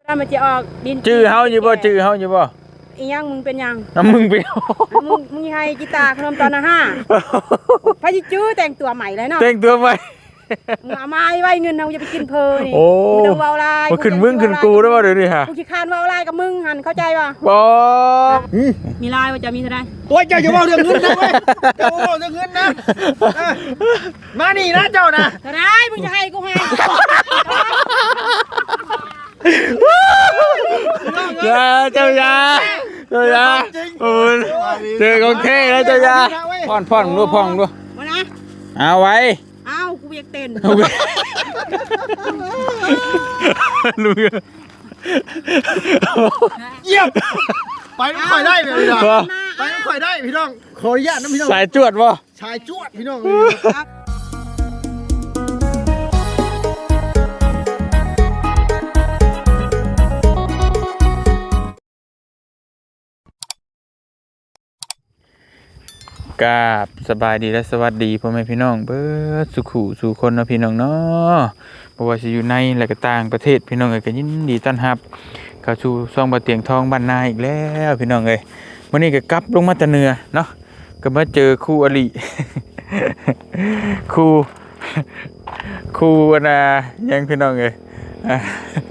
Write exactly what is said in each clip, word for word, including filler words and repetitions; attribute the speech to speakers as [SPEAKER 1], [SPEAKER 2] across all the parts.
[SPEAKER 1] ถ้ามันจะออกดิน
[SPEAKER 2] ชื่อเฮาอยู่บ่ชื่อเฮาอยู่บ่
[SPEAKER 1] อีหยังมึงเป็นยัง
[SPEAKER 2] น้ำมึงไป
[SPEAKER 1] มึงมึงให้กีตาร์ขนมตอนนะห้าพระจิจื้อแต่งตัวใหม่เลยเนาะ
[SPEAKER 2] แต่งตัวใหม่
[SPEAKER 1] มึงเอามาไว้เงินเราจะไปกินเพลินนี่
[SPEAKER 2] โอ้
[SPEAKER 1] มึงต้องเว้าลาย
[SPEAKER 2] มาขึ้นมึงขึ้นกูได้บ่เดี๋ยวนี้ฮะ
[SPEAKER 1] กูขี้คานเว้าลายกับมึงหันเข้าใจป่ะ
[SPEAKER 2] บ่
[SPEAKER 1] มีลายว่าจะมีเท่าไร
[SPEAKER 3] โอ้ยเจ้าอย่าเว้าเรื่องเงินนะเว้ยเจ้าเว้าเรื่องเงินนะเออมานี่นะเจ้านะ
[SPEAKER 1] เท่าไรมึงจะให้กูให้
[SPEAKER 2] ยาเจ้ายาเจ้ายาโอ้ยเจอของแท้แล้วเจ้ายาพ่อนพ่อนดูพ่อนดู
[SPEAKER 1] มานะ
[SPEAKER 2] เอาไว้
[SPEAKER 1] เอากูอยากเต้น
[SPEAKER 2] ลุง
[SPEAKER 3] เยี่ยมไปไม่ค่อยได้เลยพี่น้องไปไม่ค่อยได้พี่น้องขออนุญาตนะพี่น้อง
[SPEAKER 2] สายจวดบ่
[SPEAKER 3] ชายจวดพี่น้อง
[SPEAKER 2] กราบสบายดีและสวัสดีพ่อแม่พี่น้องเบิดสุขุสู่คนเนาะพี่น้องเนาะบ่ว่าสิอยู่ในและก็ต่างประเทศพี่น้องเอ้ยก็ยินดีต้อนรับเข้าสู่ช่องบ่เตียงทองบ้านนาอีกแล้วพี่น้องเอ้ยมื้อนี้ก็กลับลงมาแต่เหนือเนาะก็มาเจอครูอลิ ครูครูน่ะยังพี่น้องเอ้ย อ่ะ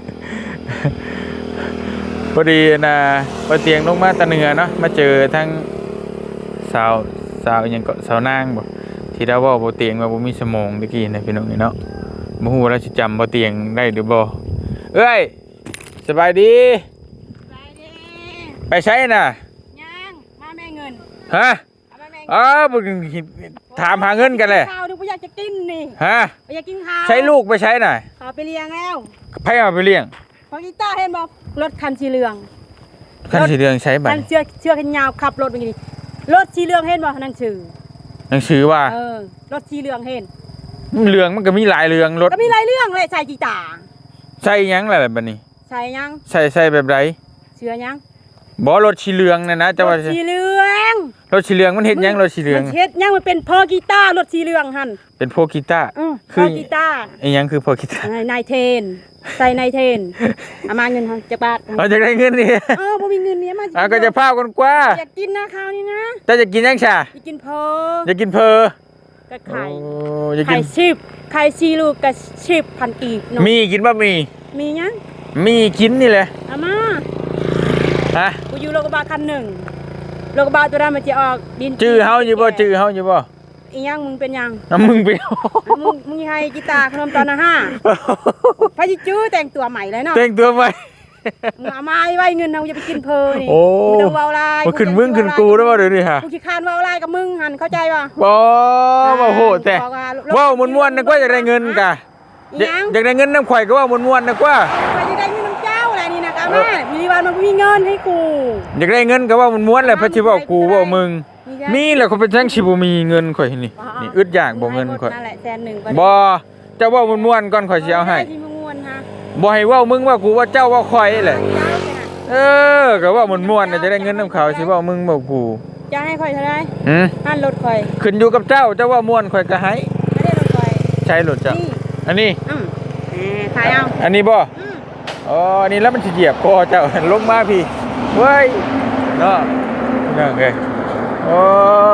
[SPEAKER 2] พอดีน่ะบ่เตียงลงมาแต่เหนือเนาะมาเจอทั้งสาวสาวยังก็สาวนางบ่ที่เราเว้าบ่เตียงว่าบ่มีสมองตะกี้นะพี่น้องนี่เนาะบ่ฮู้ว่าเราสิจำบ่เตียงได้หรือบ่เอ้ยสบายดี
[SPEAKER 1] ไปดิ
[SPEAKER 2] ไปใช้น่ะ
[SPEAKER 1] ยังมาแม่เงิน
[SPEAKER 2] ฮะ
[SPEAKER 1] เอามาแม่เงิน
[SPEAKER 2] อ้าวบ่ถามหาเงินกันเลย
[SPEAKER 1] ข้าวดูกูอยากจะกินนี่
[SPEAKER 2] ฮะ
[SPEAKER 1] อยากกินข้าว
[SPEAKER 2] ใช้ลูกไปใช้น่ะ
[SPEAKER 1] ขอไปเลี้ยงแล้ว
[SPEAKER 2] ไผเอาไปเลี้ยง
[SPEAKER 1] พอกีตาร์เห็นบอกรถคันสีเหลือง
[SPEAKER 2] คันสีเหลืองใช้บัด
[SPEAKER 1] คันเชือกเชือกยาวขับรถเป็นไงรถสีเหลืองเห็นบ่นั่นชื่อ
[SPEAKER 2] หนังสือว่า
[SPEAKER 1] เออรถสีเหลืองเห็น
[SPEAKER 2] เหลืองมันก็มีหลายเหลืองรถ
[SPEAKER 1] ก็มีหลายเรื่องเลยใส่กีตาร์
[SPEAKER 2] ใช้หยังล่ะบัดนี้
[SPEAKER 1] ใส่ยัง
[SPEAKER 2] ใช้ใช้แบบใด
[SPEAKER 1] เสือยัง
[SPEAKER 2] บ่รถสีเหลืองน่ะนะ
[SPEAKER 1] ร
[SPEAKER 2] จะว่า
[SPEAKER 1] ถสีเหลือง
[SPEAKER 2] รถสีเหลืองมันเฮ็ดหยังรถสีเหลือง
[SPEAKER 1] มันเฮ็ดยังมันเป็นพอกีตาร์รถสีเหลืองหั่น
[SPEAKER 2] เป็นพวกกีตาร์
[SPEAKER 1] อือ
[SPEAKER 2] คื
[SPEAKER 1] พ
[SPEAKER 2] อ
[SPEAKER 1] อกีตาร์
[SPEAKER 2] ไอ้หยังคือพวกกีตาร์
[SPEAKER 1] นายเทนใส่นายเทนเอามาเงินหั่นจักบาท
[SPEAKER 2] เอาจะได้เงินนี่
[SPEAKER 1] เออบ่มีเงินเนี่ยมา
[SPEAKER 2] อ่ะก็จะพากันกว่า
[SPEAKER 1] อยากกินนะข้าวนี่นะ
[SPEAKER 2] แต่จะกินยังชา
[SPEAKER 1] อยากกินเพอ
[SPEAKER 2] จะกินเพอ
[SPEAKER 1] กับไข่
[SPEAKER 2] โอ้จะกิ
[SPEAKER 1] ไข่
[SPEAKER 2] น
[SPEAKER 1] ชิบไข่ชีลูกกับชิบพันกีบเนาะ
[SPEAKER 2] มีกินบะหมี่
[SPEAKER 1] มียัง
[SPEAKER 2] มีกินนี่แหละ
[SPEAKER 1] เอามา
[SPEAKER 2] ฮะ
[SPEAKER 1] กูอยู่โรงพยาบาลคันหนึ่งโรงพยาบาลตัวนั้นมันจะออกดิน
[SPEAKER 2] ชื่อเฮาอยู่บ่ชื่อเฮาอยู่บ่
[SPEAKER 1] อีหยังมึงเป็นยัง
[SPEAKER 2] น้ำมึงไป
[SPEAKER 1] มึงมึงให้กีตาร์ขนมตอนนะห้าพระจิจื้อแต่งตัวใหม่เลยเนาะ
[SPEAKER 2] แต่งตัวใหม่
[SPEAKER 1] มึงเอามาไว้เงินเราจะไปกินเพลินนี่
[SPEAKER 2] โอ้
[SPEAKER 1] มึงต้องเว้าลาย
[SPEAKER 2] มาขึ้นมึงขึ้นกูได้บ่เดี๋ยวนี้ฮะ
[SPEAKER 1] กูขี้คานเว้าลายกับมึงหันเข้าใจป่ะ
[SPEAKER 2] บ่บ่โหดแต่ว้าวม่วนๆนึกว่าจะได้เงินกะ
[SPEAKER 1] อีหยัง
[SPEAKER 2] อยากได้เงินน้ำข่อยก็ว่าม่วนๆนึกว่า
[SPEAKER 1] ไปจะได้เงินน้ำเจ้าอะไรนี่นะกาแม่มีวันมันมีเงินให้กู
[SPEAKER 2] อยากได้เงินก็ว่าม่วนๆแหละเพราะสิเว้ากูเว้ามึงมีแหละเขาเป็นจังสิบ่มีเงินข่อยนี่นี่อึดอยากบ่เงินข่อย
[SPEAKER 1] นั่นแหละแสนหนึ่ง
[SPEAKER 2] บ่เจ้าเว้าม่วนๆก่อนข่อยสิเอาให้
[SPEAKER 1] ที่มึงม่วนฮะ
[SPEAKER 2] บ่ให้เว้ามึงว่ากูว่าเจ้าว่าข่อยแหละ
[SPEAKER 1] เจ้าเนี่ย
[SPEAKER 2] เออก็ว่าม่วนๆน่ะจะได้เงินนํเขาสิเว้ามึงเว้ากู
[SPEAKER 1] จะให้ข่อยเท่าไร
[SPEAKER 2] หืม
[SPEAKER 1] หันรถข่อย
[SPEAKER 2] ขึ้นอยู่กับเจ้าเจ้าว่าม่วนข่อยก็ให้
[SPEAKER 1] ไม่ได้รถข่อย
[SPEAKER 2] ใช้รถเจ้า
[SPEAKER 1] นี่
[SPEAKER 2] อันนี้
[SPEAKER 1] อืมแหมขายเอา
[SPEAKER 2] อันนี้บ่
[SPEAKER 1] อืม
[SPEAKER 2] อ๋ออันนี้แล้วมันสิเหยียบคอเจ้า ลงมาพี่เว้ยเนาะนั่นไงโอ้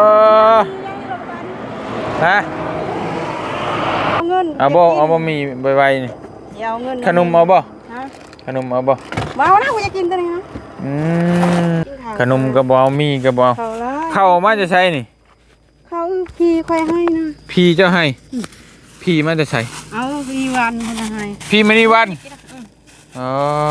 [SPEAKER 2] ฮะ
[SPEAKER 1] เอาเงิน
[SPEAKER 2] เอาบ่เอาบ่มีไวๆนี่
[SPEAKER 1] เดี๋ยวเอาเงิน
[SPEAKER 2] ขนมเอาบ่
[SPEAKER 1] ฮะ
[SPEAKER 2] ขนมเอาบ่
[SPEAKER 1] ว้าวนะกูจะกินตัวนี้นะ
[SPEAKER 2] อืมขนมก็บ่เอามีก็บ่เอา
[SPEAKER 1] เขาละ
[SPEAKER 2] เข้ามาจะใช้นี่
[SPEAKER 1] เขาพี่ค่อยให้นะ
[SPEAKER 2] พี่เจ้าให้พี่มาจะใช้
[SPEAKER 1] เอาพี่วันคนละให้
[SPEAKER 2] พี่มณีวันอ๋อ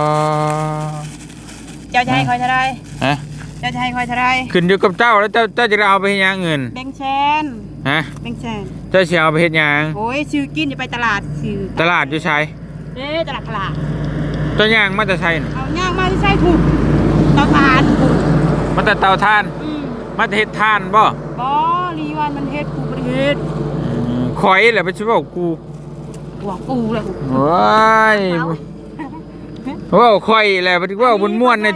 [SPEAKER 1] เจ้าจะให้คอยเท่าไร
[SPEAKER 2] ฮะ
[SPEAKER 1] เจ้าจะให้คอยเท่าไร
[SPEAKER 2] ขึ้นอยู่กับเจ้าแล้วเจ้าเจ้าจะเอาไปเฮ็ดหยังเงิน
[SPEAKER 1] แบงค์แชน
[SPEAKER 2] ฮะ
[SPEAKER 1] แบงค์แชน
[SPEAKER 2] เจ้าสิเอาไปเฮ็ดหยัง
[SPEAKER 1] โอ้ยซื้อกินจะไปตลาดซื้อ
[SPEAKER 2] ตลาดอยู่ไส
[SPEAKER 1] เอ๊ะตลาดตลาด
[SPEAKER 2] เจ้าย่างมาจะใช้น่ะ
[SPEAKER 1] เอาย่างมาที่ใส่ถูกเตาถ่านถูก
[SPEAKER 2] มันแต่เตาถ่าน
[SPEAKER 1] อืม
[SPEAKER 2] มันจะเฮ็ดถ่านบ่
[SPEAKER 1] บอรีวันมันเฮ็ดกูประเทศ
[SPEAKER 2] ข่อยแหละไปสิเว้ากู
[SPEAKER 1] หัวกูเลย
[SPEAKER 2] ว้ายเว้าข่อยแหละไปสิเว้าม่วนๆหน่อยติ
[SPEAKER 1] เ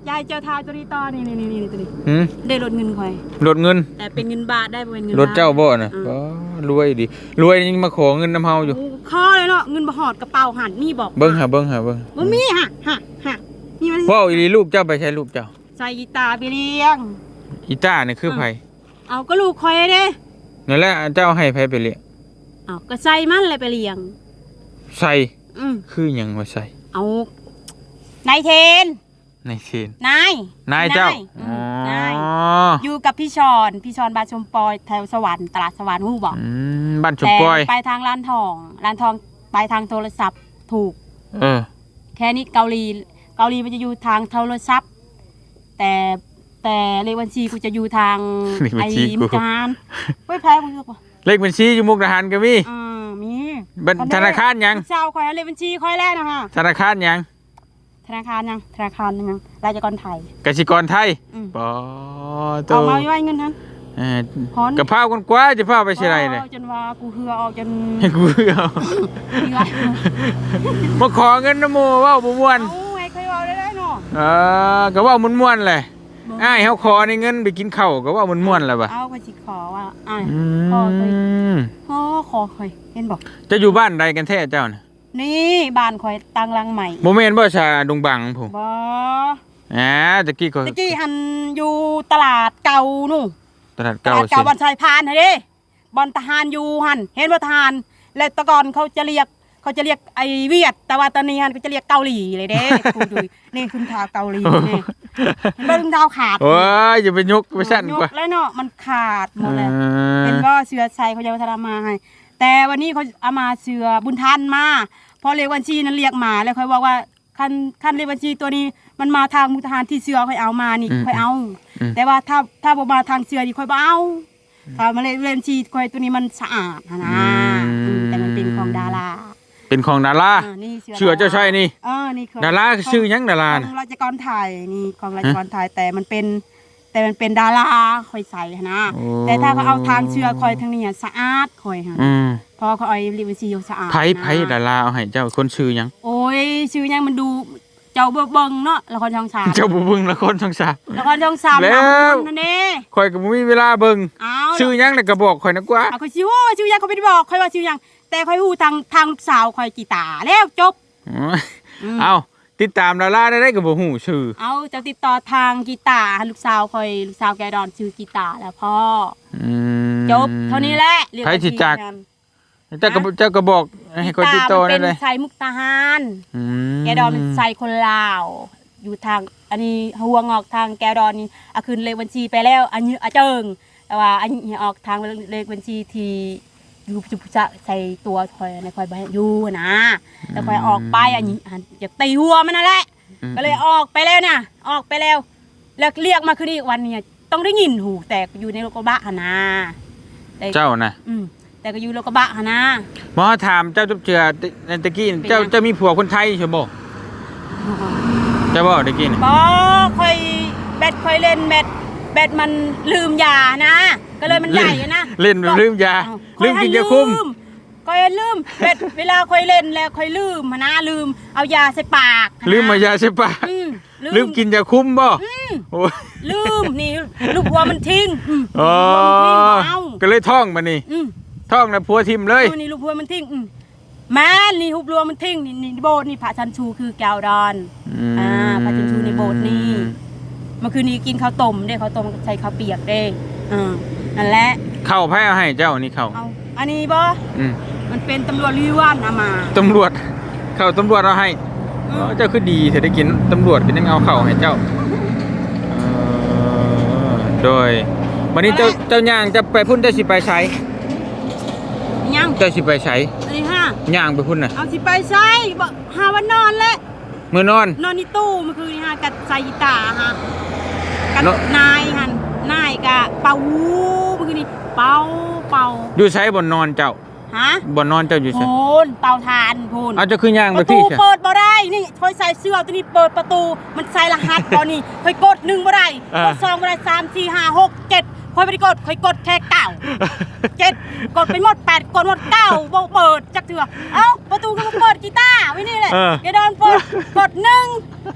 [SPEAKER 1] ยายเจ้าทายตัวนี้ต่อนี่นี่นี่ตัวนี้
[SPEAKER 2] หืม
[SPEAKER 1] ได้ลดเงินค่อย
[SPEAKER 2] ลดเงิน
[SPEAKER 1] แต่เป็นเงินบาทได้บ่เป็นเงิน
[SPEAKER 2] รถเจ้าบ่น่ะ
[SPEAKER 1] อืม
[SPEAKER 2] อ๋อรวยดิรวยยังมาขอเงินน้ำเฮาอยู่
[SPEAKER 1] ข้อเลยเนาะเงินบ่หอดกระเป๋าหันมีบอก
[SPEAKER 2] เบิ่งหาเบิ่งหาเบิ่ง
[SPEAKER 1] บ่มีฮะฮะฮะนี่มัน
[SPEAKER 2] ว้าวอีหลีลูกเจ้าไปใช้ลูกเจ้า
[SPEAKER 1] ใส่กีตาร์ไปเลี้ยง
[SPEAKER 2] อีต้านี่คือไผ
[SPEAKER 1] เอาก็ลูกคอยเด้
[SPEAKER 2] นั่นแหละเจ้าให้ไผไปเลี้ยง
[SPEAKER 1] เอาก็ใส่มันเลยไปเลี้ยง
[SPEAKER 2] ใส่
[SPEAKER 1] อืม
[SPEAKER 2] คือหยังว่าใส่
[SPEAKER 1] เอานายเทน
[SPEAKER 2] ในเทน
[SPEAKER 1] นาย
[SPEAKER 2] นายเจ้า
[SPEAKER 1] อื
[SPEAKER 2] อ๋อ
[SPEAKER 1] มนายอยู่กับพี่ชอนพี่ชอนบานชมปอยแถวสวรรค์ตลาดสวรรค์ฮู้บอก
[SPEAKER 2] อืมบ้านชุม
[SPEAKER 1] แต่
[SPEAKER 2] ปอย
[SPEAKER 1] ไปทางร้านทองร้านทองไปทางโทรศัพท์ถูก
[SPEAKER 2] เออ
[SPEAKER 1] แค่นี้เกาหลีเกาหลีมันจะอยู่ทางโทรศัพท์ แต่แต่เลขบัญชีกูจะอยู่ทาง
[SPEAKER 2] เลขบั
[SPEAKER 1] ไอ้
[SPEAKER 2] ญชีกู
[SPEAKER 1] มุกดาหารเว้ยแพ้กูเลือกป่ะ
[SPEAKER 2] เลขบัญชีอยู่มุกดาหารก็มี
[SPEAKER 1] อ่ามี
[SPEAKER 2] บัญธนาคารหยัง
[SPEAKER 1] เจ้าคอยเลขบัญชีคอยแรกนะคะ
[SPEAKER 2] ธนาคารหยัง
[SPEAKER 1] ธนาคารยังธนาคารยังรายจักรไทย
[SPEAKER 2] กสิกรไทย
[SPEAKER 1] อืม
[SPEAKER 2] ปอโต
[SPEAKER 1] เอามาไว้เงินนั้น
[SPEAKER 2] เออ
[SPEAKER 1] พอน
[SPEAKER 2] กะเพรากันกว่าจะพาไปสิไรเลย
[SPEAKER 1] อาจนว่ากูเหือออกจน
[SPEAKER 2] ให้กูเอา
[SPEAKER 1] เหือ
[SPEAKER 2] มาขอเงินน้ำหมูเว่าบ่ม่วน
[SPEAKER 1] เอาไงเคยเอาได้ได้เนาะ
[SPEAKER 2] เออก็เว่าม่วนๆเลยอ้ายเฮาขอในเงินไปกินข้าวก็เว่าม่วนๆแล้วบ่ะ
[SPEAKER 1] เอาไปสิขอว่าอ่า
[SPEAKER 2] อื
[SPEAKER 1] ขอเคย
[SPEAKER 2] ม
[SPEAKER 1] ขอขอเคยเห็นบอก
[SPEAKER 2] จะอยู่บ้านใดกันแท้เจ้าน่ะ
[SPEAKER 1] นี่บ้านคอยตั้งรังใหม่
[SPEAKER 2] บ่แม่นบ่ชาดงบังผม
[SPEAKER 1] บ่
[SPEAKER 2] อ่าตะกี้ก็
[SPEAKER 1] ตะกี้หันอยู่ตลาดเก่านู่น
[SPEAKER 2] ตลาด
[SPEAKER 1] ต
[SPEAKER 2] เก่า
[SPEAKER 1] ลาด
[SPEAKER 2] สิ
[SPEAKER 1] เก่าบอนชายพานเฮ้ยเด้บอนทหารอยู่หันเห็นว่าทหารแล้วแตะกอนเขาจะเรียกเขาจะเรียกไอเวียด แต่ว่าตอนนี้หันเขาจะเรียกเกาหลีเลยเด้ กูดูนี่คุณเท้าเกาหลีนี่เห็นว่าคุณเท้าขาด
[SPEAKER 2] โอ้ยอย่าไปยกไปสั่น
[SPEAKER 1] ย
[SPEAKER 2] กว่า
[SPEAKER 1] แล้วเนาะมันขาดหมดเลย
[SPEAKER 2] เออ
[SPEAKER 1] เป็นว่าเสือใส่เขาจะทำมาให้ แต่วันนี้เขาเอามาเสือบุญทันมาพอเรียกบัญชีนั้นเรียกมาแล้วเขาบอกว่าคันคันเรียกบัญชีตัวนี้มันมาทางมุทหารที่เสือค่อยเอามานี่ค่อยเอา แต่ว่าถ้าถ้าบ่มาทางเสือนี่ค่อยบ่เอาถ้ามาเรียกบัญชีค่อยตัวนี้มันสะอาดนะนะอืมแต่มันเป็นของดารา
[SPEAKER 2] เป็นของดารา
[SPEAKER 1] อ่านี่
[SPEAKER 2] เชื่อเจ้าชายนี่
[SPEAKER 1] เออนี่คือ
[SPEAKER 2] ดาราชื่อหยังดารา
[SPEAKER 1] ข
[SPEAKER 2] น่ะ
[SPEAKER 1] องราชกรไทยนี่ของราชกรไทยแต่มันเป็น แต่มันเป็นดาราค่อยใส่นะ
[SPEAKER 2] โอ้
[SPEAKER 1] แต่ถ้าเขาเอาทางเชือคอยทางนี้อะสะอาดคอยค่ะ
[SPEAKER 2] อืม
[SPEAKER 1] พอเขาเอาลิเวอร์ซีสะอาด
[SPEAKER 2] ไผไผดาราเอาให้เจ้าคนชื่อหยัง
[SPEAKER 1] โอ้ยชื่อยังมันดูเจ้าเบิ่งเบิ่งเนาะละครช่องสาม
[SPEAKER 2] เจ้าบ่เบิ่งละครช่องสาม
[SPEAKER 1] ละครช่องสาม
[SPEAKER 2] แล้ว
[SPEAKER 1] ทำคนนั่นเอง
[SPEAKER 2] ข่อยก็บ่มีเวลาเบิ่ง
[SPEAKER 1] เอา
[SPEAKER 2] ชื่อหยังน่ะก็บอกข่อยนะกว่า
[SPEAKER 1] เอาคอยชื่อว่าชื่อยังเขาไม่ได้บอกคอยว่าชื่อยังแต่คอยหูทางทางลูกสาวคอยกีตาร์แล้วจบ
[SPEAKER 2] อ๋อ
[SPEAKER 1] อืม
[SPEAKER 2] เอาติดตามดาราได้ได้ก็บ่ฮู้ชื่อ
[SPEAKER 1] เอาจะติดต่อทางกีตาร์ลูกสาวคอยลูกสาวแกดอนชื่อกีตาร์แล้วพ่อ
[SPEAKER 2] อืม
[SPEAKER 1] จบเท่านี้แหละเรียก
[SPEAKER 2] ไผ
[SPEAKER 1] ว่า
[SPEAKER 2] สิจัก
[SPEAKER 1] ทีมงาน
[SPEAKER 2] เจ้าก็เจ้าก็บอกให้ข่อยติดต่อ
[SPEAKER 1] กีตาร์มัน
[SPEAKER 2] ได้
[SPEAKER 1] เป็น
[SPEAKER 2] เลย
[SPEAKER 1] สายมุกตาหาร
[SPEAKER 2] อืม
[SPEAKER 1] แกดอนเป็นไซคนลาว อยู่ทางอันนี้หัวงอกทางแกดอนนี่อาคืนเลขบัญชีไปแล้ว อันนี้อาเจิง แต่ว่าอันนี้ออกทางเลขบัญชีที่อยู่จุจะใส่ตัวคอยในคอยใบอยู่นะแต่คอยออกไปอันนี้อันจะตีหัวมันนั่นแหละ
[SPEAKER 2] อืม
[SPEAKER 1] ก็เลยออกไปแล้วเนี่ยออกไปแล้ว แล้วเรียกมาคืนอีกวันเนี่ยต้องได้ยินหูแต่อยู่ในรถกระบะหนนะแต่
[SPEAKER 2] เจ้าน่ะ
[SPEAKER 1] อืมแต่ก็อยู่รถกระบะหนนะ
[SPEAKER 2] หมอถามเจ้าจุบเจือในตะกี้
[SPEAKER 1] เป็นไง
[SPEAKER 2] เจ้าเจ้ามีผัวคนไทยใช่บ่เจ้าบ่ตะกี้นี่
[SPEAKER 1] บอคอยแบตคอยเล่นแบตแบตมันลืมยานะ ก็เลยมันใหญ่อะนะ
[SPEAKER 2] เล่นลืมยา
[SPEAKER 1] อ้าว
[SPEAKER 2] ลืมกินยาคุม
[SPEAKER 1] คอยลืมแบตเวลาคอยเล่นแล้วคอยลืมอะนะลืมเอายาใส่ปากอะนะ
[SPEAKER 2] ลืมมายาใช่ปะ
[SPEAKER 1] อืม
[SPEAKER 2] ลืมกินยาคุมบ่โอ้ย
[SPEAKER 1] ลืมนี่ลูกวัวมันทิ้งอืม
[SPEAKER 2] อ๋อ
[SPEAKER 1] ลูกวัวมันทิ้งเอา
[SPEAKER 2] ก็เลยท่องมานี่
[SPEAKER 1] อืม
[SPEAKER 2] ท่องนะผัวทิมเลย
[SPEAKER 1] ดูนี่ลูกวัวมันทิ้งอืมแม่นี่ลูกวัวมันทิ้งนี่นี่โบสถ์นี่พระชันชูคือแก้วดอนอ่าพระชันชูในโบสถ์นี่เมื่อคืนนี้กินข้าวต้มได้ข้าวต้มใส่ข้าวเปียกได้อ่านั่นแหละ
[SPEAKER 2] เข้าไพ่เอาให้เจ้านี่เข้า
[SPEAKER 1] เอาอันนี้บ่
[SPEAKER 2] อืม
[SPEAKER 1] มันเป็นตำรวจลีว่านเอามา
[SPEAKER 2] ตำรวจเข้าตำรวจเอาให้
[SPEAKER 1] อืม
[SPEAKER 2] อ๋อเจ้าคือดีเธอได้กินตำรวจก็ยังเอาเข้าให้เจ้าเออโดยวันนี้เจ้าเจ้าย่างจะไปพุ่นเจ้าสิไปใช้
[SPEAKER 1] ยัง
[SPEAKER 2] เจ้าสิไปใช้
[SPEAKER 1] อันนี้ฮะ
[SPEAKER 2] ย่างไปพุ่นน่ะ
[SPEAKER 1] เอาสิไปใช้บ่หาวันนอนแล้ว
[SPEAKER 2] มื้อนอน
[SPEAKER 1] นอนในตู้เมื่อคืนนี่ฮะกัดใส่กีตาร์ฮะกัด
[SPEAKER 2] เนอะ
[SPEAKER 1] นายหันนายกะเป่าเมื่อคืนนี้เป่าเป่า
[SPEAKER 2] อยู่ใช้บ่นอนเจ้า
[SPEAKER 1] ฮะ
[SPEAKER 2] บ่นอนเจ้าอยู่
[SPEAKER 1] โพ
[SPEAKER 2] ใช้
[SPEAKER 1] นเตาถ่านโพน
[SPEAKER 2] เอาเจ้าคือย่าง
[SPEAKER 1] ป
[SPEAKER 2] ไประ
[SPEAKER 1] ตู
[SPEAKER 2] พี่ใช่
[SPEAKER 1] เปิดบ่ได้นี่คอยใส่เสื้อตัวนี้เปิดประตูมันใส่รหัสตอนนี้คอยกดหนึ่งบ่ได้กดสองบ่ได้สามสี่ห้าหกเจ็ดคอยไม่ได้กดคอยกดแค่เก้าเจ็ดกดไปหมดแปดกดหมดเก้าบ่เปิดจักเถื่อเอ้าประตูก็มาเปิดกีตาร์ไว้นี่แหละ
[SPEAKER 2] เออ
[SPEAKER 1] อย่าโดนเปิดกดหนึ่ง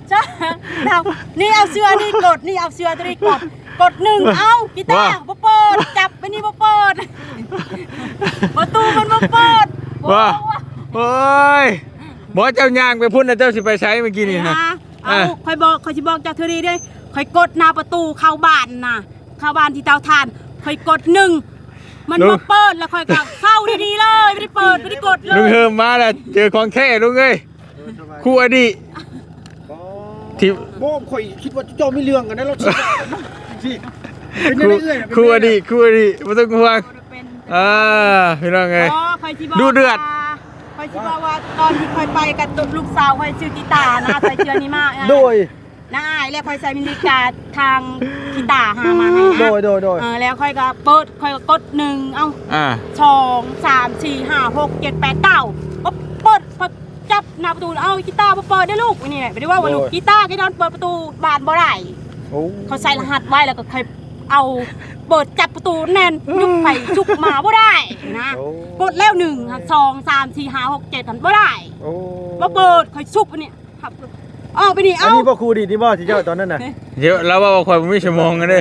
[SPEAKER 1] จ้าเอานี่เอาเสื้อนี่กดนี่เอาเสื้อตัวนี้กดกดหนึ่งเอากีตาร์บ่เปิดจับไปนี่บ่เปิดประตูมันบ่เปิด
[SPEAKER 2] ว่าโอ้ยบ่เจ้าย่างไปพุ่นนะเจ้าสิไปใช้เมื่อกี้นี่นะ
[SPEAKER 1] เอาคอยบอกคอยสิบอกเจ้าเธอดีด้วยคอยกดหน้าประตูเข้าบ้านน่ะเข้าบ้านที่เตาถ่านคอยกดหนึ่งมันบ่เปิดแล้วคอยก็เข้าดีๆเลยไม่ได้เปิดไม่ได้กดเลย
[SPEAKER 2] ลุงเฮิมมาแล้วเจอของแท้ลุงเอ้ยคู่อดีตที่
[SPEAKER 3] โบ้ข่อยคิดว่าเจ้าไม่เรื่องกันนะเราชิสิเป็น
[SPEAKER 2] คู่
[SPEAKER 3] เรื่อยๆ
[SPEAKER 2] คู่อดีตคู่อดีตบ่ต้องห่วงอ่าพี่น้องเอ้ย
[SPEAKER 1] อ๋อคอยสิบอก
[SPEAKER 2] ดูเดือด
[SPEAKER 1] คอยสิบอกว่าตอนที่คอยไปกับลูกสาวคอยซื้อกีตาร์นะใส่เชือนี้มา
[SPEAKER 3] โดย
[SPEAKER 1] น้าอายแล้วคอยใส่มินิกาทางกีตาร์หามาให้นะ
[SPEAKER 3] โดยโดยโดย
[SPEAKER 1] เออแล้วค่อยก็เปิดค่อยก็กดหนึ่งเอ้า
[SPEAKER 2] อ่า
[SPEAKER 1] สองสามสี่ห้าหกเจ็ดแปดเก้าก็เปิดพอจับหน้าประตูเอากีตาร์มาเปิดได้ลูกนี่แหละไม่ได้ว่าว่าลูกกีตาร์แค่นั้นเปิดประตูบานบ่ได้
[SPEAKER 3] โอ้
[SPEAKER 1] เขาใส่รหัสไว้แล้วก็ค่อยเอาเปิดจับประตูแน่นยุบไปจุกมาบ่ได้นะกดแล้วหนึ่งสองสามสี่ห้าหกเจ็ดบ่ได้
[SPEAKER 3] โอ้
[SPEAKER 1] มาเปิดค่อยชุบอันนี้ครับเอาไปนี่
[SPEAKER 3] อัน
[SPEAKER 1] เอา
[SPEAKER 3] นี้บ่ครูดีนี่บ่ที่เจ้าตอนนั้นน่ะ
[SPEAKER 2] เดี๋ยวเราว่าข่อยบ่มีชั่วโมงกันเด้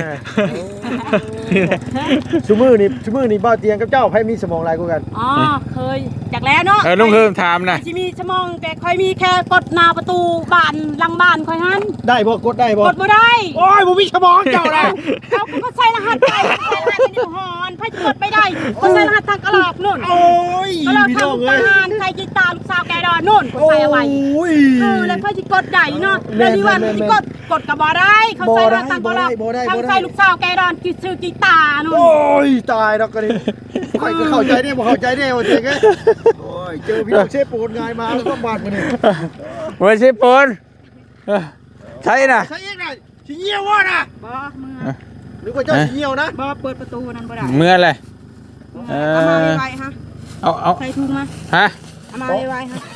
[SPEAKER 3] ชูมือนี่ชูมือนี่บ่เตียงกับเจ้าไผมีสมองหลายกว่ากัน
[SPEAKER 1] อ๋อเคยจากแล้วเนาะ
[SPEAKER 2] เออลุงเฮิมถามนะ
[SPEAKER 1] ที่มีชั่วโมงแต่ค่อยมีแค่กดหน้าประตูบ้านหลังบ้านค่อยหัน
[SPEAKER 3] ได้บ่กดได้บ่
[SPEAKER 1] กดบ่ได้
[SPEAKER 3] โอ้ยบ่มีสมองเจ้านะ
[SPEAKER 1] เขาก็ใส่รหัสไปใส่รหัสในนิ้วหอนไพ่จะกดไปได้ก็ใส่รหัสทางกระหลอกนู่น
[SPEAKER 3] โอ้ย
[SPEAKER 1] กระหลอก
[SPEAKER 3] พี่
[SPEAKER 1] ทา
[SPEAKER 3] น้
[SPEAKER 1] ง
[SPEAKER 3] อง
[SPEAKER 1] ท
[SPEAKER 3] เอ้ย
[SPEAKER 1] หารใครกีตาร์ลูกสาวแกดอนนู่นก็
[SPEAKER 3] โอ้
[SPEAKER 1] ใส่เอาไว้
[SPEAKER 3] ย
[SPEAKER 1] เออแล้วไพ่จะกดได้เนาะแล้วนี่ว่าที่กดกดกับบ่ได้เขาใส่รหัสทางกระหลอกทางใส่ลูกสาวแกดอนกีซื้อกีตาร์นู่น
[SPEAKER 3] โอ้ยตายดอกกันนี่ข่อยก็เข้าใจได้บ่เข้าใจได้ว่าเจ๊กโอ้ยเจอพี่น้องเชฟปูนงายมาแล้วก็บาดมื้อนี้
[SPEAKER 2] บ่ใช่ปนเออใช่น่ะ
[SPEAKER 3] ใช่อีกน่ะสิเหี่ยวว่น่ะ
[SPEAKER 1] บ่เมื่อ
[SPEAKER 3] หรือว่าเจ้าสิเหี่ยวนะ
[SPEAKER 1] บ่เปิดประตูนั้นบ่ได้
[SPEAKER 2] เมื่อไร
[SPEAKER 1] เอามาไวๆฮะ
[SPEAKER 2] เอาเอา
[SPEAKER 1] ใส่ถุงมา
[SPEAKER 2] ฮะ
[SPEAKER 1] เอามาไวๆฮะ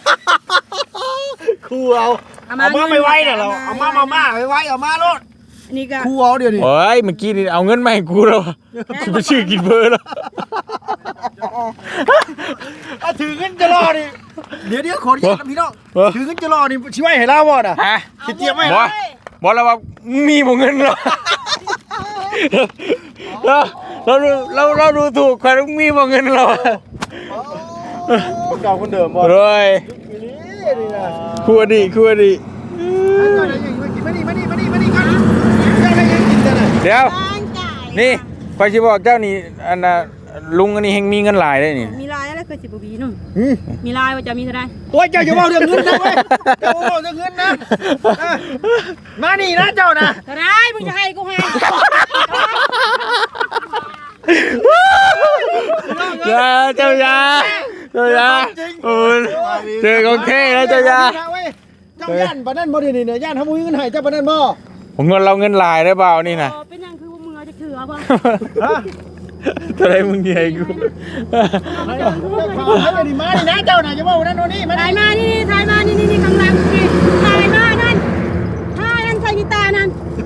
[SPEAKER 3] ครูเอาเอามาไม่ไหวน่ะเราเอามามามาไม่ไหวเอามาโลด
[SPEAKER 1] อันนี้ก็
[SPEAKER 3] ครูเอาเดี๋ยวนี้
[SPEAKER 2] โอ้ยเมื่อกี้นี่เอาเงินมาให้กูแล้วจะไปชื่อกินเบอร์แล้ว
[SPEAKER 3] เอาถือเงินจะรอนี่เดี๋ยวเดี๋ยวขออนุญาตนะพี่น้องถือเงินจะรอนี่สิไว้ให้ลาบ่น่ะ
[SPEAKER 2] ฮะ
[SPEAKER 3] สิเตรียมไว้
[SPEAKER 2] บอ
[SPEAKER 3] นะ
[SPEAKER 2] บอกแล้วว่ามีบ่เงินหรอเราเราเราเราดูถูกใครต้องมีบ่เงินเรา
[SPEAKER 3] คนเก่าคนเดิมบ่
[SPEAKER 2] รวย
[SPEAKER 3] นี่นี่นะ
[SPEAKER 2] คู่อดีตคู่อดีต
[SPEAKER 3] มานี่มานี่มานี่มานี่กันเจ้าให้ยังกินกันน่ะ
[SPEAKER 2] เดี๋ยว
[SPEAKER 1] ตั้งใจ
[SPEAKER 2] นี่คอยสิบอกเจ้านี่อันน่ะลุงอันนี้แห่งมีเงินหลายได้นี่
[SPEAKER 1] มีลายอะไรเคยสิบบีนู่น
[SPEAKER 3] หืม
[SPEAKER 1] มีลายว่าจะมีเท่าไร
[SPEAKER 3] โอ้ยเจ้าอย่าบอกเรื่องเงินนะเว้ยเจ้าบอกเรื่องเงินนะเออมานี่นะเจ้านะ
[SPEAKER 1] เท่าไรมึงจะให้กูให้
[SPEAKER 2] ยาเจ้ายาเจ้ายาโอ้ยเจอของแท้แล้วเจ้ายา
[SPEAKER 3] เจ้าย่านปานนั้นบ่ได้นี่เนี่ยย่านทำมุ้ยเงินให้เจ้าปานนั้นบ่
[SPEAKER 2] ผมเงินเราเงินหลายได้เปล่านี่นะ
[SPEAKER 1] เป็นยังคือมึงเอาจะถือเอาป่ะ
[SPEAKER 3] ฮะ
[SPEAKER 2] เท่าไรมึงใหญ่กู
[SPEAKER 3] ให้ให้นี่มานี่นะเจ้าน่ะอย่าบอกนั่นโน่นนี่มา
[SPEAKER 1] ถ่ายมานี่ถ่ายมานี่นี่นี่ข้างหลังนี่ถ่ายมานั่นถ่ายนั่นใส่กีตาร์นั่น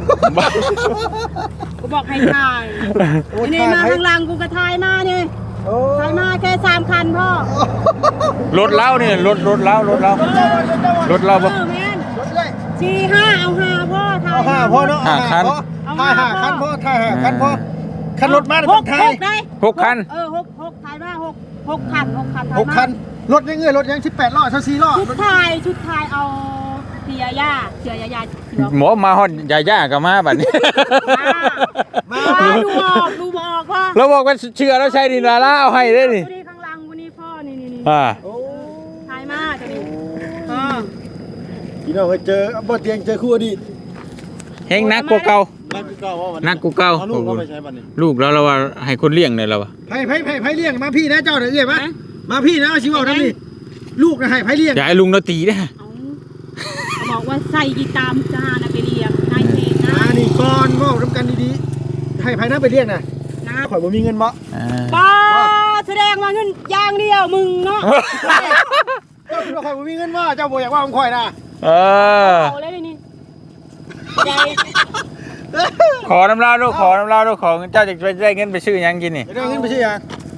[SPEAKER 1] กูบอกให้ถ่ายนี่มาข้างหลังกูก็ถ่ายมานี่
[SPEAKER 3] โอ้
[SPEAKER 1] ถ่ายมาแค่สามคันพ่อ
[SPEAKER 2] รถเล้าเนี่ยรถรถเล้ารถเล้ารถเล้า
[SPEAKER 1] เอ
[SPEAKER 2] ปะ
[SPEAKER 1] อแม่น
[SPEAKER 3] รถเลย
[SPEAKER 1] สี่ห้าเอาห้าพ่อถ่าย
[SPEAKER 3] เอาห้าพ่อเนาะ
[SPEAKER 2] ห้าคัน
[SPEAKER 3] ถ่ายห้าคันพ่อถ่ายห้าคันพ่อคันรถมา
[SPEAKER 1] ห
[SPEAKER 3] ต้อง
[SPEAKER 1] ก
[SPEAKER 3] ถ่า
[SPEAKER 1] ห
[SPEAKER 3] ย
[SPEAKER 1] กได้
[SPEAKER 2] หกคัน
[SPEAKER 1] เออหกหกถ่ายมาหกหกคันหกคันถ่าย
[SPEAKER 3] หก
[SPEAKER 1] มา
[SPEAKER 3] คันรถยังเงยรถยังสิบแปดล้อเท่าสี่ล้อ
[SPEAKER 1] ชุดถ่ายชุดถ่ายเอาเสียย่าเสียยายาเสือ
[SPEAKER 2] หมอมาฮอดยาย่ากับมาบัดนี้
[SPEAKER 1] มาดูออกดูบอกว่า
[SPEAKER 2] เราบอกว่าเชื่อแล้วใช่ดินาล่าเอาให้ได้นี่
[SPEAKER 1] วันนี้ข้างหลังวันนี้พ่อนี่นี่นี่
[SPEAKER 2] อ่า
[SPEAKER 3] โอ้
[SPEAKER 1] ถ่ายมาตัวนี้อ่า
[SPEAKER 3] พี่น้องเคยเจอบ่เตียงเจอคู่อดีต
[SPEAKER 2] เฮงนักกว่าเก่า
[SPEAKER 3] นักกูเก่าว่าวัน
[SPEAKER 2] นักกูเก่า
[SPEAKER 3] เอาลูกเขาไปใช้บัดนี้
[SPEAKER 2] ลูกแล้วเราว่าให้คนเลี้ยงเนี่ยเราว่า
[SPEAKER 3] ไผ่ไผ่ไผ่ไผ่เลี้ยงมาพี่นะเจ้าเด้อเอ้ยมามาพี่นะเอาชีวเอาทำนี่ลูกนะให้ไผ่เลี้ยง
[SPEAKER 2] อย่าให้ลุงเราตีนะ
[SPEAKER 1] เอาบอกว่าใส่กีตาร์จานะไปเรียงนายเพลงนะ
[SPEAKER 3] มานี่ก่อนเว้าทำกันดีๆให้ไผ่นะไปเลี้ยงน่ะ
[SPEAKER 1] นะ
[SPEAKER 3] ข่อยบ่มีเงินบ่
[SPEAKER 2] อ่า
[SPEAKER 1] ป้าแสดงว่าเงินอย่างเดียวมึงเนาะ
[SPEAKER 3] เจ้าคิดว่าข่อยบ่มีเงินบ่เจ้าบ่อยากว่าผมข่อยนะ
[SPEAKER 2] เออ
[SPEAKER 1] เอาเลยนี่ใจ
[SPEAKER 2] ขอน้ำลาลูกขอน้ำลาลูกขอเจ้าจะไปได้เงินไปซื้อหยังกินนี่
[SPEAKER 3] ได้เงินไปซื้อหยัง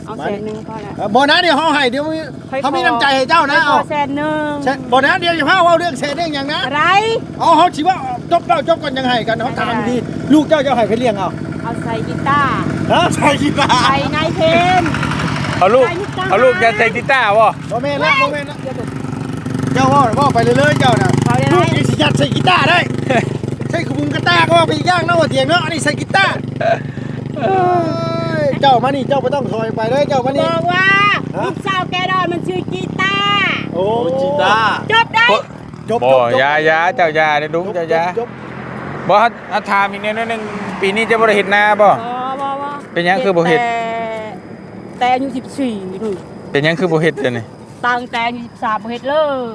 [SPEAKER 1] เอาแสนหนึ่งพอแล้ว
[SPEAKER 3] เออบ่นะเดี๋ยวเฮาให้เดี๋ยวมีเขามีน้ำใจให้เจ้านะ
[SPEAKER 1] ข
[SPEAKER 3] เอา
[SPEAKER 1] อแสนหนึ่ง
[SPEAKER 3] ใช่บ่นะเดี๋ยวอย่าพาเว้าเรื่องแสนเรื่องหยังนะ
[SPEAKER 1] อะไร
[SPEAKER 3] เอาเฮาสิว่าจบแล้วจบกันยังให้กันเฮาถามดีลูกเจ้าจะให้ไปเลี้ยงเอา
[SPEAKER 1] เอาใส่กีตาร์
[SPEAKER 3] ฮะใช่กีตาร์
[SPEAKER 1] ใส่นายเพน
[SPEAKER 2] เอาลูกเอาลูกจะใส่กีตาร์บ่
[SPEAKER 3] บ่แม่นละบ่แม่นละเจ้าว่าว่าไปเรื่อยๆเจ้าน่ะ
[SPEAKER 1] เอาได้
[SPEAKER 3] ลู
[SPEAKER 1] ไหม
[SPEAKER 3] กนี่สิยัดใส่กีตาร์ได้ ใช่ขบุงกีตาร์ก็ว่าไปอีกอย่างเนาะว่าเถียงเนาะอันนี้ใส่กีตาร์เอ้ยเจ้ามานี่เจ้าบ่ต้องถอยไปเลยเจ้ามา
[SPEAKER 1] บ
[SPEAKER 3] นี่
[SPEAKER 1] อกว่าลูกสาวแกดอนมันชื่อกีตาร์
[SPEAKER 3] โอ้กีตาร์
[SPEAKER 1] จบได้
[SPEAKER 3] จบ
[SPEAKER 2] บ่
[SPEAKER 3] จบจบ
[SPEAKER 2] ยายาเจ้ายาเด้อดุ้งเจ้ายา
[SPEAKER 3] จบ
[SPEAKER 2] บ่ฮัดอัถามอีกแนวนึงปีนี้จะบ่ได้เฮ็ดนาบ่
[SPEAKER 1] บอบอบอ
[SPEAKER 2] เป็นหยังคือบ่เฮ็ด
[SPEAKER 1] แต่แต่อายุสิบสี่นู่น
[SPEAKER 2] เป็นหยังคือบ่เฮ็ดจ้ะนี่
[SPEAKER 1] ตั้งแต่อายุสิบสามบ่เฮ็ดเลย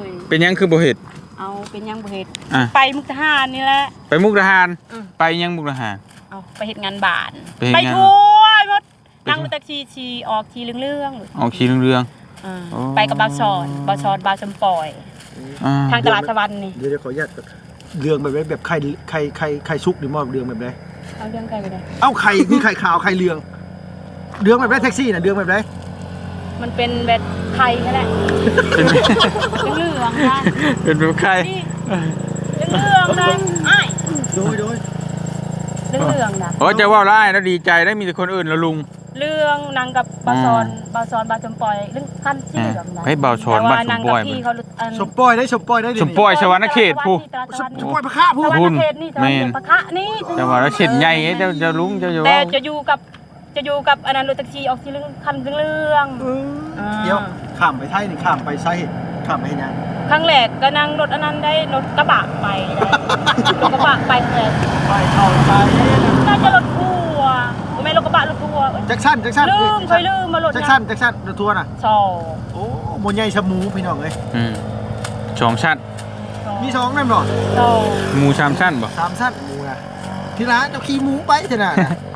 [SPEAKER 2] เป็นหยังคือบ่เฮ็ด
[SPEAKER 1] เอาเป็นหยังบ่เฮ็ด
[SPEAKER 2] อ่ะ
[SPEAKER 1] ไปมุกทหารนี่แหละ
[SPEAKER 2] ไปมุกดาหาร
[SPEAKER 1] อืม
[SPEAKER 2] ไปยังมุกดาหาร
[SPEAKER 1] เอาไปเฮ็ดงานบ้าน
[SPEAKER 2] ไปเฮ็ด
[SPEAKER 1] ไป
[SPEAKER 2] งาน
[SPEAKER 1] ทั่วหมด
[SPEAKER 2] ไป
[SPEAKER 1] นั่งรถแท็กซี่ชีออกทีเรื่องๆ
[SPEAKER 2] ออกขี่เรื่อง
[SPEAKER 1] อ่า
[SPEAKER 2] โอ้
[SPEAKER 1] ไปกับบาวชอนบาวชอนบาวจำปอย
[SPEAKER 2] ๆอ่า
[SPEAKER 1] ทางตลาดสวรรค์นี่
[SPEAKER 3] เดี๋ยวเดี๋ยวขออนุญาตเรื่องแบบไหนแบบไข่ไข่ไข่ไข่ซุกหรือมอบเรื่องแบบไหน
[SPEAKER 1] เอาเรื่องกันไปเลย
[SPEAKER 3] เอ้าไข่มีไข่ขาวไข่เหลืองเรื่องแบบไหนแท็กซี่น่ะเรื่องแบบไหน
[SPEAKER 1] มันเป็นแบบไทยนั่นแหละ
[SPEAKER 2] เป็น
[SPEAKER 1] เหลืองๆนะ
[SPEAKER 2] เป็นแบบใคร
[SPEAKER 1] นี่เหลืองๆนะไอ้าย
[SPEAKER 3] โดยโดย
[SPEAKER 1] เหลืองๆนะ
[SPEAKER 2] โอ้จะว่าร้ายแล้วดีใจได้มีแต่คนอื่นแล้วลุง
[SPEAKER 1] เรื่องนางกับบาวชอนบาวชอนบาวจำปอยเรื่องขั้นที่เหลืองนะ
[SPEAKER 2] ให้บาวชอน
[SPEAKER 1] แต่
[SPEAKER 2] บ้า
[SPEAKER 1] ว่าน
[SPEAKER 2] ส
[SPEAKER 1] นาง
[SPEAKER 2] ม
[SPEAKER 1] กั
[SPEAKER 2] บบ อย
[SPEAKER 1] พี่เขาอัน
[SPEAKER 3] สมปอยได้สมปอยได้ดิ
[SPEAKER 2] สมปอยชวรรณเขตผู้
[SPEAKER 3] สมปอยพระข้าผู้
[SPEAKER 1] สวรร
[SPEAKER 2] คุ
[SPEAKER 1] ณ
[SPEAKER 2] ณ
[SPEAKER 1] เขตนี่
[SPEAKER 2] แม่น
[SPEAKER 1] ปะคะนี่
[SPEAKER 2] จะว่าแล้วเช็ดใหญ่เจ้าจะลุงเจ้าจะ
[SPEAKER 1] แต่
[SPEAKER 2] ว่า
[SPEAKER 1] จะอยู่กับจะอยู่กับอันนั้นรถแท็กซี่ออกที่เรื่องคันเรื่องๆอ่า
[SPEAKER 3] เดี๋ยวข้ามไปไทยนี่ข้ามไปไซข้ามไปยัง
[SPEAKER 1] ครั้งแรกก็นั่งรถอันนั้นได้รถกระบะไปได้รถกระบะไปเลย
[SPEAKER 3] ไปเข้าไป
[SPEAKER 1] น่าจะรถทัวร์ไม่รถกระบะรถทัวร์เอ้ย
[SPEAKER 3] แจ็คสันแจ็คสัน
[SPEAKER 1] ลืมเคยลืมมารถ
[SPEAKER 3] แจ็คสันแจ็คสันรถทัวร์น่ะ
[SPEAKER 1] สอง
[SPEAKER 3] โอ้โมใหญ่ชะมูพี่น้องเอ้ย
[SPEAKER 2] อืมสองชั้น
[SPEAKER 3] มีสองนั่นบ่
[SPEAKER 1] สอง
[SPEAKER 2] หมูสามชั้นบ่
[SPEAKER 3] สามสั้นหมูนะที่ร้านเจ้าขี้หมูไปเถอะนะ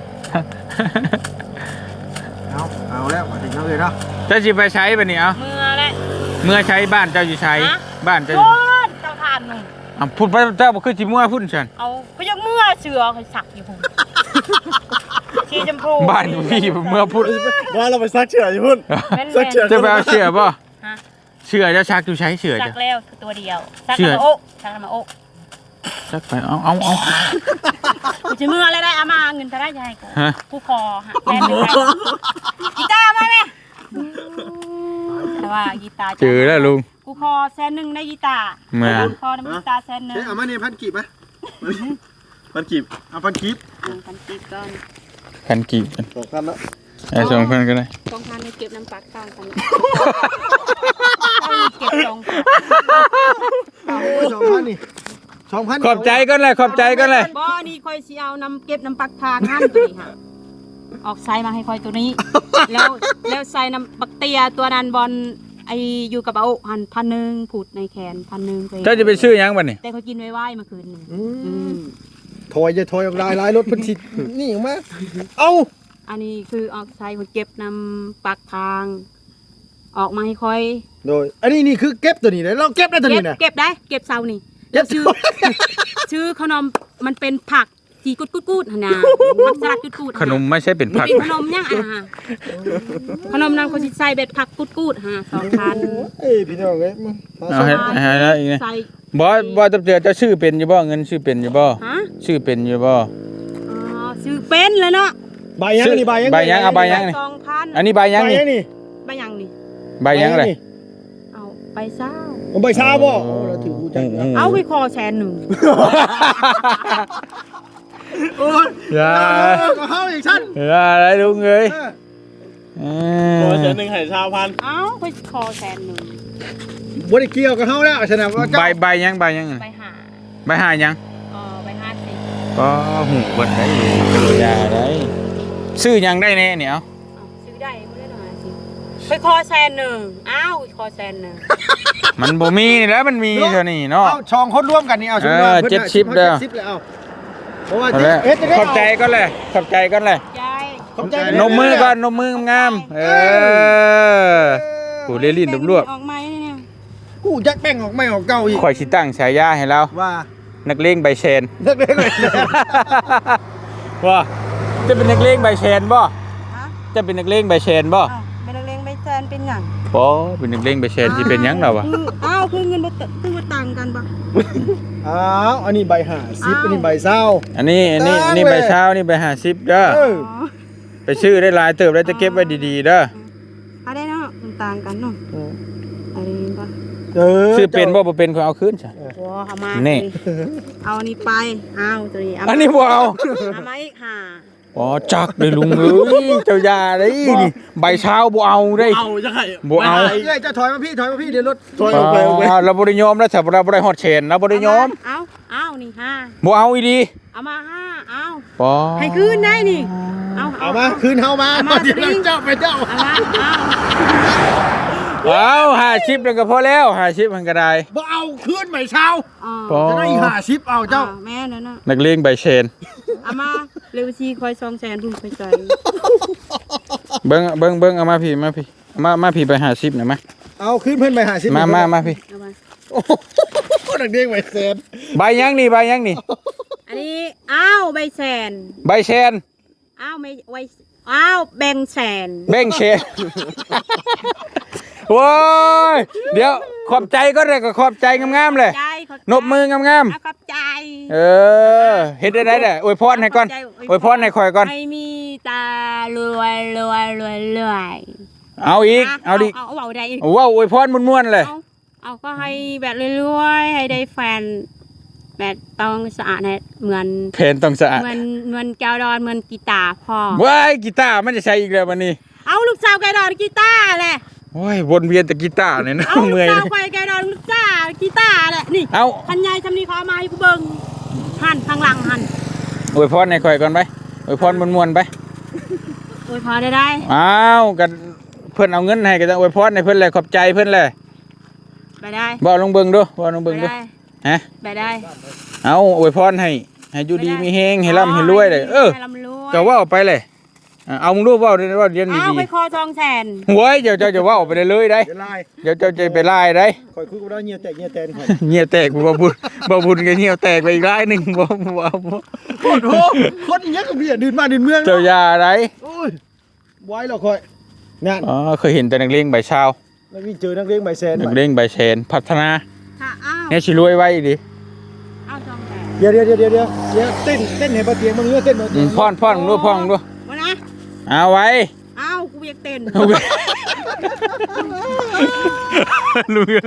[SPEAKER 3] เอาเอาแล้วมาถึงแล้วเลยเนาะ
[SPEAKER 2] เจ้าสิไปใช้บัดนี้เอา
[SPEAKER 1] เมื่อและ
[SPEAKER 2] เมื่อใช้บ้านเจ้าอยู่ใช้
[SPEAKER 1] ฮะ
[SPEAKER 2] บ้านเจ้า
[SPEAKER 1] โดนเจ้าทานหนึ่ง
[SPEAKER 2] อ่ะพูดไปเจ้าบ่คือสิมั่วพุ่นฉัน
[SPEAKER 1] เอาเขายังเมื่อเสือเขาสักอยู่ผมชีจมพู
[SPEAKER 2] บ้านพี่เมื่อพูด
[SPEAKER 3] ว่าเราไปซักเชือกอยู่พุ่น
[SPEAKER 1] แม่น
[SPEAKER 3] สักเชือก
[SPEAKER 2] จะไปเอาเชื่อบ่
[SPEAKER 1] ฮะ
[SPEAKER 2] เชื่อเจ้าชักอยู่ใช้เชื่อ
[SPEAKER 1] สั
[SPEAKER 2] จ้ะ
[SPEAKER 1] กแล้วคือตัวเดียวสัก
[SPEAKER 2] เชื่อ
[SPEAKER 1] มาโอ๊ะสักมาโอ๊ะ
[SPEAKER 2] ชักไปเอาเอาเอา
[SPEAKER 1] กูจะเมื่ออะไรได้เอามาเงินเท่าไรจะให้กู
[SPEAKER 2] ฮะ
[SPEAKER 1] กูคอฮะแฟนหนึ่งไปกีตาร์มาไหมแต่ว่ากีตาร์จะ
[SPEAKER 2] เจอแล้วลุง
[SPEAKER 1] กูคอแสนหนึ่งได้กีตาร์
[SPEAKER 2] มา
[SPEAKER 1] กูคอน้ำกีตาร์แสนหนึ่ง
[SPEAKER 3] เฮ้ยเอามาเนี่ยพันกีบไหมพันกีบเอาพันกีบ
[SPEAKER 1] หนึ่งพันกีบก่อน
[SPEAKER 2] พันกีบกัน
[SPEAKER 3] สองพันแล้ว
[SPEAKER 2] ไอ้สองพันก็ได้
[SPEAKER 1] สองพันในเก็บน้ำปักต่างกันเก็บสองพัน
[SPEAKER 3] โอ้ยสองพันนี่สองพัน
[SPEAKER 2] ขอบใจก็เลยขอบใจก็เลย
[SPEAKER 1] บ่นี่ค่อยสิเอาน้ำเก็บน้ำปักทางหั่นตัวนี้ค่ะออกไซมาให้ค่อยตัวนี้ แล้วแล้วใส่น้ำบักเตียตัวนั้นบอลไออยู่กับเอาหันพันหนึ่งผูดในแขนพันหนึ่งไป
[SPEAKER 2] เจ้าจะไปซื้อหยังบัดนี้
[SPEAKER 1] แต่เขากินไว้ไหวเมื่อคืนนี่
[SPEAKER 3] อื
[SPEAKER 1] อื
[SPEAKER 3] ม
[SPEAKER 1] ม
[SPEAKER 3] ถอยจะถอยออกลายลายรถเพันธิตนี่ออกมาเอา
[SPEAKER 1] อันนี้คือออกไซคนเก็บน้ำปักทาง ออกมาให้ค่อย
[SPEAKER 3] โดยอันนี้นี่คือเก็บตัวนี้เลยเราเก็บได้ตัว
[SPEAKER 1] เก็
[SPEAKER 3] นี้
[SPEAKER 1] บ
[SPEAKER 3] นะ
[SPEAKER 1] เก็บได้ เก็บเซานี่
[SPEAKER 3] เก็บ
[SPEAKER 1] ชื่อ ชื่อขนมมันเป็นผักสีกุดกุดกุดหั่นนะผักสลัดกุดกุด
[SPEAKER 2] ขนมไม่ใช่เป็น
[SPEAKER 1] มัน
[SPEAKER 2] ผัก
[SPEAKER 1] เป็นขนมยังอ่ะฮะขนมนั้นเขาสิใส่เบ็ดผักกุดกุดฮะสองพัน
[SPEAKER 3] เอ้ยพี่น้องเอ้ยมึง
[SPEAKER 2] เอาให้ให้แล้วอีกนะ
[SPEAKER 1] ใส่
[SPEAKER 2] บ่บ่ตำเตือเจ้าชื่อเป็นอยู่บ่เงินชื่อเป็นอยู่บ่
[SPEAKER 1] ฮะ
[SPEAKER 2] ชื่อเป็นอยู่บ่
[SPEAKER 1] อ๋อซื้อเป็นเลยเนาะ
[SPEAKER 3] ใบยังนี่ใบยัง
[SPEAKER 2] ใบยังเอาใบยังนี่
[SPEAKER 1] สองพัน
[SPEAKER 2] อันนี้ใบยัง
[SPEAKER 3] ใบ
[SPEAKER 2] นี่
[SPEAKER 3] ยังนี่
[SPEAKER 1] ใบยังนี่
[SPEAKER 2] ใบยังเลย
[SPEAKER 1] เอาไปเศร้า
[SPEAKER 3] ผมใบชาบ่โอ้เราถือกูจัง
[SPEAKER 1] เอาไปคอแสนหนึ่ง
[SPEAKER 3] โอ้ย
[SPEAKER 2] อย่า
[SPEAKER 3] ก็เฮาอีกชั้น
[SPEAKER 2] อย่าอะไรลุงเอ้ยเอ
[SPEAKER 4] โอ้
[SPEAKER 2] อ
[SPEAKER 4] เดือนหนึ่งให้ชาวพัน
[SPEAKER 1] เอาไปคอแสนหนึ่ง
[SPEAKER 3] บ่ได้เกี่ยวกับเฮาแล้วฉะนั้นว่าเจ้า
[SPEAKER 2] ใบใบยังใบยัง
[SPEAKER 1] ไปหา
[SPEAKER 2] ใบหายัง
[SPEAKER 1] เออไปห้าสิบ
[SPEAKER 2] ก็หูเบิดได้อยู่อย่าได้ซื้อยังได้แน่เนี่ยเอา
[SPEAKER 1] เอาซื้อได้ไม่ได้หน่อยสิไปคอแสนหนึ่งอ้าวคอแสนหนึ่ง
[SPEAKER 2] มันบ่มีนี่แหล้วมันมีเท่านี้เนาะ
[SPEAKER 3] เอาช่องคนร่วมกันนี่เอาสมมุติว่า
[SPEAKER 2] เออ
[SPEAKER 3] พิ่น
[SPEAKER 2] เจ็ด
[SPEAKER 3] น่ะ
[SPEAKER 2] สิบเด้อ
[SPEAKER 3] เจ็ดสิบเลยเอาเพราะว่า
[SPEAKER 2] เอาละ
[SPEAKER 3] เอ๊ะจะได้
[SPEAKER 2] ขอบใจก็เลยขอบใจก็เลย
[SPEAKER 1] ยาย
[SPEAKER 3] ขอบใจ
[SPEAKER 2] นมมือก่อนนมมืองามๆเออกูเรียลิ้นรวบ
[SPEAKER 1] ออกไหมเนี่ย
[SPEAKER 3] กูจักแป้งออกไม่ออกเก่าอีก
[SPEAKER 2] ๆข่อยสิตั้งฉายาให้เรา
[SPEAKER 3] ว่า
[SPEAKER 2] นักเลงใบเชน
[SPEAKER 3] นักเล่นเลย
[SPEAKER 2] ว่าจะเป็นนักเลงใบเชนบ่
[SPEAKER 1] ฮะ
[SPEAKER 2] จะเป็นนักเลงใบเชนบ่
[SPEAKER 1] อ้าวเป็นหยัง
[SPEAKER 2] บ่เป็นนักเลงใบแชนสิเป็นหยังล่ะวะ
[SPEAKER 1] อ้าวคือเงินบ่ตคือบ่ต่างกันบ่
[SPEAKER 3] อ้าวอันนี้ใบห้าสิบอันนี้ใบเศร้า
[SPEAKER 2] อันนี้อันนี้อันนี้ใบเช้านี่ใบห้าสิบเด้อ
[SPEAKER 3] เออ
[SPEAKER 2] ไปซื้อได้หลายเติบแล้วจะเก็บไว้ดีๆเด้อ
[SPEAKER 1] เอาได้เนาะมันต่างกันเนาะอันนี้บ่
[SPEAKER 3] เออ
[SPEAKER 2] ซื้อเป็นบ่บ่เป็นก็เอาคืนซะ
[SPEAKER 1] โอ้เอามา
[SPEAKER 2] นี่
[SPEAKER 1] เอาอันนี้ไปเอาตัวนี้เอา
[SPEAKER 2] อันนี้บ่เอา
[SPEAKER 1] เอามาอีกห้า
[SPEAKER 2] อ๋อจักเลยลุงเอ้ยเจ้าอย่าเด้นี่ใบเช้าบ่เอาเด้
[SPEAKER 3] เอาจะไข่
[SPEAKER 2] บ่เอา
[SPEAKER 3] เอ้ยจะถอยมาพี่ถอยมาพี่เดี๋ยวรถถอยออกไปออกไป
[SPEAKER 2] อ่าเราบ่ได้ยอมแล้วถ้าเราบ่ได้ฮอดเชนเราบ่ได้ยอม
[SPEAKER 1] เอาเอานี่ห้า
[SPEAKER 2] บ่เอาอีดี
[SPEAKER 1] เอามาห้าเอา
[SPEAKER 2] ปอ
[SPEAKER 1] ให้คืนได้นี่เอา
[SPEAKER 3] เอามาคืนเฮามา
[SPEAKER 1] เอามา
[SPEAKER 3] เดี๋ยวเจ้าไปเจ้า
[SPEAKER 1] เอามาเอา
[SPEAKER 2] เอาห้าสิบแล้วก็พอแล้วห้าสิบมันก็ได้
[SPEAKER 3] บ่เอาคืนใบเช้า
[SPEAKER 1] อ๋อ
[SPEAKER 2] ปอ
[SPEAKER 3] จะได้ห้าสิบเอาเจ้า
[SPEAKER 1] แม่นั่นน่ะ
[SPEAKER 2] นักเลงใบเชน
[SPEAKER 1] เอามาเร็วชีคอยซองแสนพุ่นไปใจ
[SPEAKER 2] เบิ่งเบิ่งเบิ่งเอามาพี่มาพี่เอามามาพี่ไปห้าสิบหน่อยมา
[SPEAKER 3] เอาคืนเพิ่นใบห้าสิบ
[SPEAKER 2] มามามาพี่
[SPEAKER 1] เอามา
[SPEAKER 3] โอ้โหนักเด้งใบแสน
[SPEAKER 2] ใบยังนี่ใบยังนี่
[SPEAKER 1] อันนี้อ้าวใบแสน
[SPEAKER 2] ใบเชน
[SPEAKER 1] อ้าวไม่ไว้อ้าวแบ่งแสน
[SPEAKER 2] เบ่งเชนโว้ยเดี๋ยวขอบใจก็ได้ก็ขอบใจงามๆเลย
[SPEAKER 1] ใจขอบใจ
[SPEAKER 2] นบมืองาม
[SPEAKER 1] เอาขอบใจ
[SPEAKER 2] ๆเออเฮ็ดได้ได้เด้ออวยพรให้ก่อนอวยพรให้ข่อยก่อน
[SPEAKER 1] ให้มีตารวยรวยรวยรวย
[SPEAKER 2] เอาอีกเอาดิ
[SPEAKER 1] เอาเอาได้อีก
[SPEAKER 2] ว้าวอวยพรม่วนๆเลย
[SPEAKER 1] เอาเอาก็ให้แบบรวยๆให้ได้แฟนแบบต้องสะอาดให้เหมือน
[SPEAKER 2] เพนต้องสะอาด
[SPEAKER 1] เหมือนเหมือนแก้วดอนเหมือนกีตาร์พ่อ
[SPEAKER 2] ว้ายกีตาร์มันจะใช้อีกแล้ววันนี้
[SPEAKER 1] เอาลูกสาวแก้วดอนกีตาร์แหละ
[SPEAKER 2] โอ้ยวนเวียนแต่กีตาร์เนี่ยนะ
[SPEAKER 1] เอาลูก
[SPEAKER 2] เมื่อย
[SPEAKER 1] สาวไปแก้วดอนลูกสาวกีตาร์แหละนี่
[SPEAKER 2] เอา
[SPEAKER 1] พันยายทำนี่เขาเอามาให้กูเบิ่งหันข้างหลังหัน
[SPEAKER 2] อวยพรให้ข่อยก่อนไปอวยพรม่วนๆไป
[SPEAKER 1] โอ้ยพอได้ได้
[SPEAKER 2] อ้าวกันเพิ่นเอาเงินให้ก็ต้องอวยพรให้เพิ่นเลยขอบใจเพิ่นเลย
[SPEAKER 1] ไปได้
[SPEAKER 2] บ่ลงเบิ่งดูบ่ลง
[SPEAKER 1] ไป
[SPEAKER 2] เบิ่งดู
[SPEAKER 1] ได้
[SPEAKER 2] ฮะ
[SPEAKER 1] ไปได้
[SPEAKER 2] เอาอวยพรให้ให้อยู่ดีมีเฮงให้ร่ำให้รวยเลยเออ
[SPEAKER 1] ให้ร่ำรวย
[SPEAKER 2] ก็เว้าไปเลยอ่ะเอามึงดูเว้าเดี๋ยวเว้าเรียน
[SPEAKER 1] เอา
[SPEAKER 2] ดี
[SPEAKER 1] ไปคอทองแสน
[SPEAKER 2] ๆโว้ยเดี๋ยวเจ้าจะเว้าไปได้เลยได้
[SPEAKER 3] เดี๋ยวไล่
[SPEAKER 2] เดี๋ยวเจ้าจะไปไล่ได้
[SPEAKER 3] คอยคุยกับเราเงียบแตกเงียบแตนคอย
[SPEAKER 2] เหี่ยวแตกบ่บุญบ่บุญก็เหี่ยวแตกไปอีกรายหนึงบ่บ่บ่
[SPEAKER 3] โอ้โหคนอย่างเงี้ยก็เบียดดื่นมาดื่นเมือง
[SPEAKER 2] เจ้าอย่าได้
[SPEAKER 3] โอ้ยไว้แล้วคอยนั่น
[SPEAKER 2] อ๋อเคยเห็นแต่นักเลงใบชาว
[SPEAKER 3] แล้วมีเจอนักเลี้ยงใบแสน
[SPEAKER 2] นักเลงใบเชนพัฒนา
[SPEAKER 1] ค่ะอ้าว
[SPEAKER 2] เนี่ยสิรวยไว้ดิ
[SPEAKER 1] เอาทองแสน
[SPEAKER 3] เดี๋ยวเดี๋ยวเดี๋ยวเดี๋ยวเดี๋ยวเดี๋ยวเต้นเต้นให้ปลาเตียงมึงเนื้อเต้นปลา
[SPEAKER 2] อื
[SPEAKER 3] เตีย
[SPEAKER 2] ม
[SPEAKER 3] ง
[SPEAKER 2] พ่อนพ่อนมึงดูพ่อนมึงดู
[SPEAKER 1] มานะ
[SPEAKER 2] เอาไว้
[SPEAKER 1] เอากูอยากเต้น
[SPEAKER 2] เอาไว้ลุง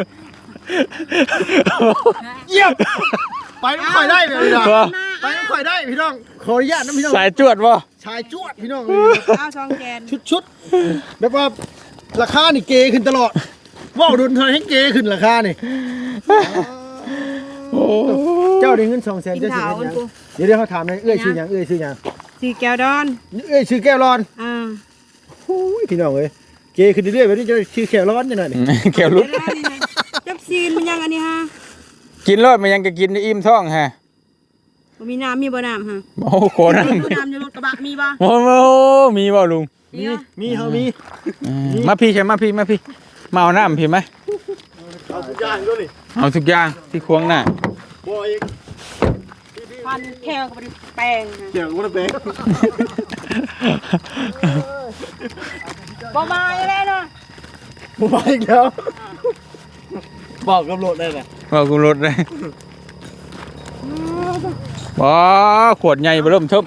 [SPEAKER 3] เยี่ยมไปไม่ค่อยได้เลยพี่น้อง
[SPEAKER 2] บ่
[SPEAKER 3] ไปไม่ค่อยได้พี่น้องขออนุญาตนะพี่น้อง
[SPEAKER 2] สายจวดบ่
[SPEAKER 3] ชายจวดพี่น้อง
[SPEAKER 1] เอาทองแสน
[SPEAKER 3] ชุดชุดแบบว่าราคานี่เกขึ้นตลอดว่าวดุนเธอให้เกขึ้นราคานี่
[SPEAKER 2] โอ้
[SPEAKER 3] เจ้าได้เงินสองแสน
[SPEAKER 1] กิน
[SPEAKER 3] เจ้าชื่อ
[SPEAKER 1] ข้าว
[SPEAKER 3] ห
[SPEAKER 1] กั
[SPEAKER 3] ยั
[SPEAKER 1] น
[SPEAKER 3] ง
[SPEAKER 1] กู
[SPEAKER 3] เดี๋ยวเดี๋ยวเขาถามเลยเอ้ยชื่อหยังเอ้ยชื่อหยัง
[SPEAKER 1] สีแก้วดอน
[SPEAKER 3] เอ้ยชื่อแก้วร้อน
[SPEAKER 1] อ่า
[SPEAKER 3] โอ้ยพี่น้องเอ้ยเกขึ้นเรื่อยๆแบบนี้จะชื่อแก้วร้อนจังหน่อยนี่
[SPEAKER 2] แก้วลุก
[SPEAKER 1] เดี๋ยวได้นี่นะจับซีนมันยังอันนี้ฮะ
[SPEAKER 2] กินรอดมันยังก็กินได้อิ่มท้องฮะ
[SPEAKER 1] บ่มีน้ำมีบ่น้ำฮะ
[SPEAKER 2] โอ้โหนั่น
[SPEAKER 1] มีน้ำอยู่รถกระบะมีบ่
[SPEAKER 2] โอ้โหมีบ่ลุง
[SPEAKER 1] มีบ่
[SPEAKER 3] มีเฮามี
[SPEAKER 2] อืมมาพี่ใช่มาพี่มาพี่มาเอาน้ำพี่ไหม
[SPEAKER 3] เอาทุกอย่างด้วยนี่
[SPEAKER 2] เอาทุกอย่างที่ควงหน้า
[SPEAKER 3] บ่อีก
[SPEAKER 1] ฟันแค่กับแป้งฮะ
[SPEAKER 3] เกี่ยวกับแบง
[SPEAKER 1] บ่มาอีกแล้วเนาะ
[SPEAKER 3] บ่มาอีกแล้วบอกกับรถได้แหละ
[SPEAKER 2] ว่ากูรถเลยว้าขวดใหญ่เริ่มเทิบ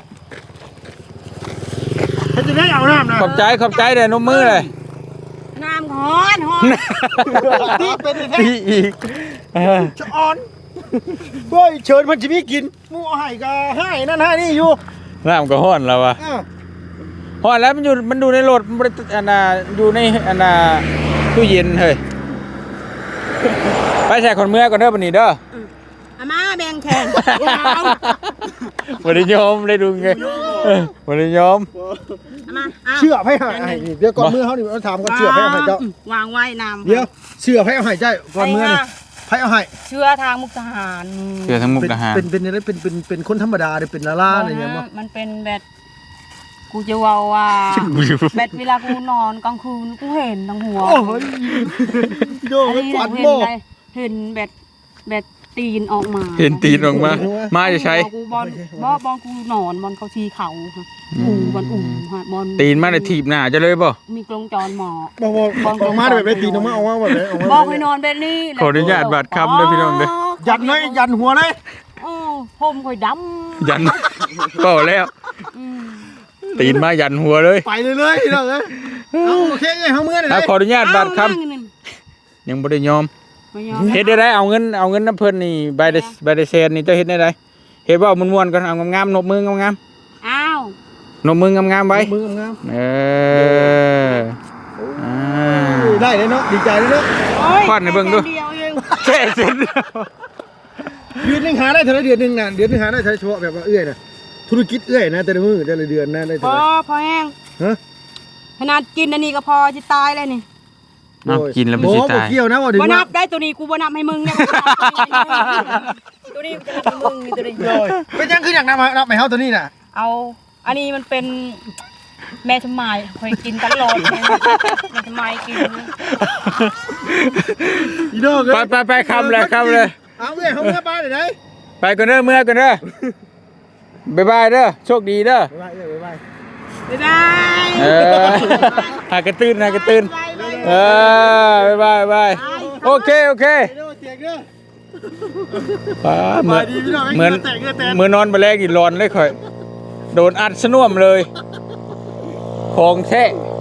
[SPEAKER 3] ถ้าจะได้เอาน้ำนะ
[SPEAKER 2] ขอบใจขอบใจเลยนมมือเลย
[SPEAKER 1] น้ำฮ้อนฮ้อน
[SPEAKER 3] ที่เป็นแท้
[SPEAKER 2] พี่อีกเออ
[SPEAKER 3] ชะออนเฮ้ยเชิญมันจะมีกินหมูเอาให้ก็ให้นั่นให้นี่อยู่
[SPEAKER 2] น้ำก็ห้อนแล้ววะ
[SPEAKER 3] อ้าว
[SPEAKER 2] ห้อนแล้วมันอยู่มันดูในรถมันบ่ได้อันน่ะอยู่ในอันน่ะตู้เย็นเฮ้ยไปใส่คนเมื่อก่อนเด้อบัดนี้เด้อ
[SPEAKER 1] อามาแบ่งแทน
[SPEAKER 2] บ่ได้ยอมได้ดูไงเออบ่ได้ยอม
[SPEAKER 1] อามาเอา
[SPEAKER 3] เชื่อให้ให้ให้นี่เดี๋ยวก่อนมือเขานี่เราถามก่อนเชื่อให้เอาให้เจ้า
[SPEAKER 1] วางไว้น้ำ
[SPEAKER 3] เดี๋ยวเชื่อให้เอาให้เจ้าก่อนมือนี่ให้เอาให้
[SPEAKER 1] เชื่อทางมุกทหาร
[SPEAKER 2] เสือทั้งมุก
[SPEAKER 3] เป็น
[SPEAKER 2] ทหาร
[SPEAKER 3] เป็นเป็นอะไรเป็นเป็นเป็นคนธรรมดาหรือเป็นลาล่าอะไรอย่างเงี้ยมั้ง
[SPEAKER 1] มันเป็นแบบกูจะว่าว่าแบบเวลากูนอนกลางคืนกูเห็นทั้งหัว
[SPEAKER 3] โอ้ยโดน
[SPEAKER 1] อันนี้
[SPEAKER 3] ฝัน
[SPEAKER 1] เห็น
[SPEAKER 3] โม่
[SPEAKER 1] ได้เห็นแบบแบบตีนออกมา
[SPEAKER 2] เห็นตีนออกมามาจะใช้
[SPEAKER 1] กูบอลบอบอลกูนอนบอลเขาชีเขาค่ะอูบอลอูฮะบอล
[SPEAKER 2] ตีนมาได้ถีบหน้าจะเลยบ่
[SPEAKER 1] มีกรงจรหมอ
[SPEAKER 3] บอกบอกออกมาแบบไรตีนออกมาออกมาแบบไหนออกมา
[SPEAKER 1] บอกให้นอนแบบนี้
[SPEAKER 2] ขออนุญาตบาดคำด้วยพี่น้องเด้อ
[SPEAKER 3] ยันเลยยันหัวเลย
[SPEAKER 1] โอ้ผมค่อยดำ
[SPEAKER 2] ยันก็แล้ว
[SPEAKER 1] อืม
[SPEAKER 2] ตีนมายันหัวเลย
[SPEAKER 3] ไปเลยเลยเราเลยเอาโอเคเลยเขาเมื่อไหร่
[SPEAKER 2] อ่ะขออนุญาตบาดค
[SPEAKER 1] เอนั่งนั่น
[SPEAKER 2] ำยังบ่ได้ยอม
[SPEAKER 1] ไม่ยอม
[SPEAKER 2] เฮ็ดได้ได้เอาเงินเอาเงินน้ำเพิ่นนี่ใบได้ใบได้แสนนี่เจ้าเฮ็ดได้ได้เฮ็ดว่าม่วนๆก่อนเอางามๆนบมืองาม
[SPEAKER 1] อ้าว
[SPEAKER 2] ๆนบมืองามๆไว้
[SPEAKER 3] มืองาม
[SPEAKER 2] เอออ่า
[SPEAKER 3] ได้เลยเนาะดีใจเลยเนาะ
[SPEAKER 1] โอ้ย
[SPEAKER 2] ควันให้เบิ่งดู
[SPEAKER 1] แค่เดียวเอง
[SPEAKER 2] แค่เสร็จ
[SPEAKER 3] เดือนหนึงหาได้เท่าไรเดือนหนึงน่ะเดือนหนึงหาได้เท่าไรเฉพาะแบบว่าเอื้อยน่ะธุรกิจเอื้อยนะแต่ละมือแต่ละเดือนนะได้
[SPEAKER 1] พ
[SPEAKER 3] เท่า
[SPEAKER 1] อ
[SPEAKER 3] ไร
[SPEAKER 1] พอแห้ง
[SPEAKER 3] ฮะ
[SPEAKER 1] ขนาดกินอันนี้ก็พอจะตายเลยนี่
[SPEAKER 2] เอากินแล้วไม่
[SPEAKER 3] โอ้
[SPEAKER 2] สิ
[SPEAKER 3] บ่
[SPEAKER 2] ตาย
[SPEAKER 3] เกี่ยวนะว่าถึง
[SPEAKER 1] บ่นั
[SPEAKER 3] ว่า
[SPEAKER 1] บได้ตัวนี้กูบ่นับให้มึงเนี่ยตัวนี้กูจะนับให้มึงนี่ตัวนี้
[SPEAKER 3] เลยเป็นยังคืออยากนำมานับไปเฮาตัวนี้น่ะ
[SPEAKER 1] เอาอันนี้มันเป็นแม่ชมายคอยกินตลอดแม่ชมายกิน
[SPEAKER 3] อีดอกเอ้ย
[SPEAKER 2] ไปไปไปคำเลยคำเลย
[SPEAKER 3] เอาเอื้อยเฮาเมื่อบ้านไหน
[SPEAKER 2] ไปก่อนเด้อเมื่อก่อนเด้อบ๊ายบายเด้อโชคดีเด้อ
[SPEAKER 3] บ๊ายบายเอื้อยบ๊ายบาย
[SPEAKER 1] บ๊ายบาย
[SPEAKER 2] เออหากระตื้นหากระตื้นเออบ๊ายบายบ๊ายบายโอเคโอเค
[SPEAKER 3] เด้อเสียงเด้อ
[SPEAKER 2] ป้าเหมือน
[SPEAKER 3] สบายดีพี่น้อง
[SPEAKER 2] เหมือน
[SPEAKER 3] แตกเงือแตก
[SPEAKER 2] เหมือนนอนไปแรกอีร้อนเลยข่อยโดนอัดสน่วมเลยของแท้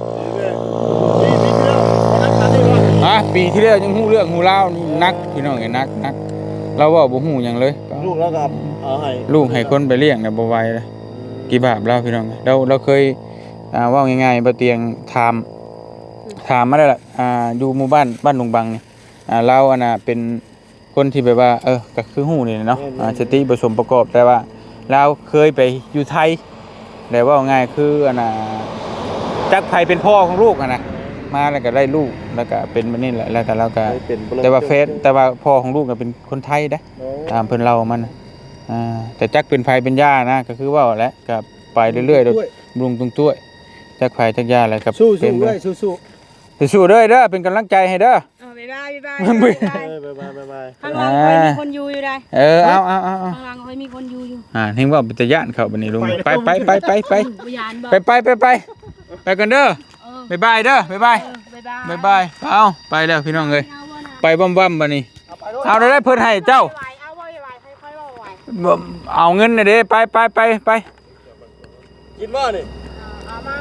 [SPEAKER 2] อ่ะปีที่แล้วยังหู้เรื่องหูเล่าวนี่นักพี่น้องไงนักนักเราเว่าบ่หูหยังเลย
[SPEAKER 3] ลูกแล้วกับเอาให้
[SPEAKER 2] ลูกให้คนไปเลี้ยงเนี่ยบ่ไหวเลยกี่บาปเราพี่น้องเราเราเคยอ่าเว่าง่ายๆบ่เตียงถามถามมาได้ล่ะอ่าอยู่หมู่บ้านบ้านลุงบังนี่อ่าเราอันน่ะเป็นคนที่แบบว่าเออก็คือหูนี่เนาะอ่าสติผสมประกอบแต่ว่าเราเคยไปอยู่ไทยแต่ว่าง่ายคืออันน่ะจักไผเป็นพ่อของลูกอ่ะนะมาแล้วก็ได้ลูกแล้วก็เป็นแบบนี้แหละแล้วก็เราก็ แต่ว่าเฟซแต่ว่าพ่อของลูกก็เป็นคนไทยนะตามเพิ่นเล่ามันน่ะอ่าแต่จักเป็นไฟเป็นย่านะก็คือว่าแหละก็ไปเรื่อยๆโดยลุงตรงตัวจักไฟจักย่าอะไรกับ
[SPEAKER 3] สู้
[SPEAKER 2] เป็
[SPEAKER 3] สู้
[SPEAKER 2] น
[SPEAKER 3] ด้วยสู้สู้
[SPEAKER 2] สู้ๆเด้อเด้อเป็นกำลังใจให้เด้อ
[SPEAKER 1] เอาบ๊ายบายบ๊ายบาย
[SPEAKER 2] มันไม่
[SPEAKER 3] บ๊ายบายบ๊ายบาย
[SPEAKER 1] ข้างหลังคอยมีคนอยู่อยู่ได้
[SPEAKER 2] เออเอาเอาเอาเอา
[SPEAKER 1] ข้างหลังคอยมีคนอยู่อยู่
[SPEAKER 2] อ่าเห็นว่าเป็นตะย่านเขาบัดนี้ลุงไปไปไปไปไป
[SPEAKER 1] พยานบอก
[SPEAKER 2] ไปไปไปไปไปกันเด้อ
[SPEAKER 1] เออ
[SPEAKER 2] บ๊ายบายเด้อบ๊ายบาย
[SPEAKER 1] เออบ๊ายบาย
[SPEAKER 2] บ๊ายบายเอาไปแล้วพี่น้องเอ้ย
[SPEAKER 1] เอาบ่นะ
[SPEAKER 2] ไปบ้ำๆบัดนี้เอาได้เพิ่นให้เจ้า
[SPEAKER 1] ไหวเอาบ่ไหวค่อยๆว่าไหว
[SPEAKER 2] บ่เอาเงินน่ะเด้ไปไปไปไป
[SPEAKER 3] กินบ่นี่
[SPEAKER 1] เอามา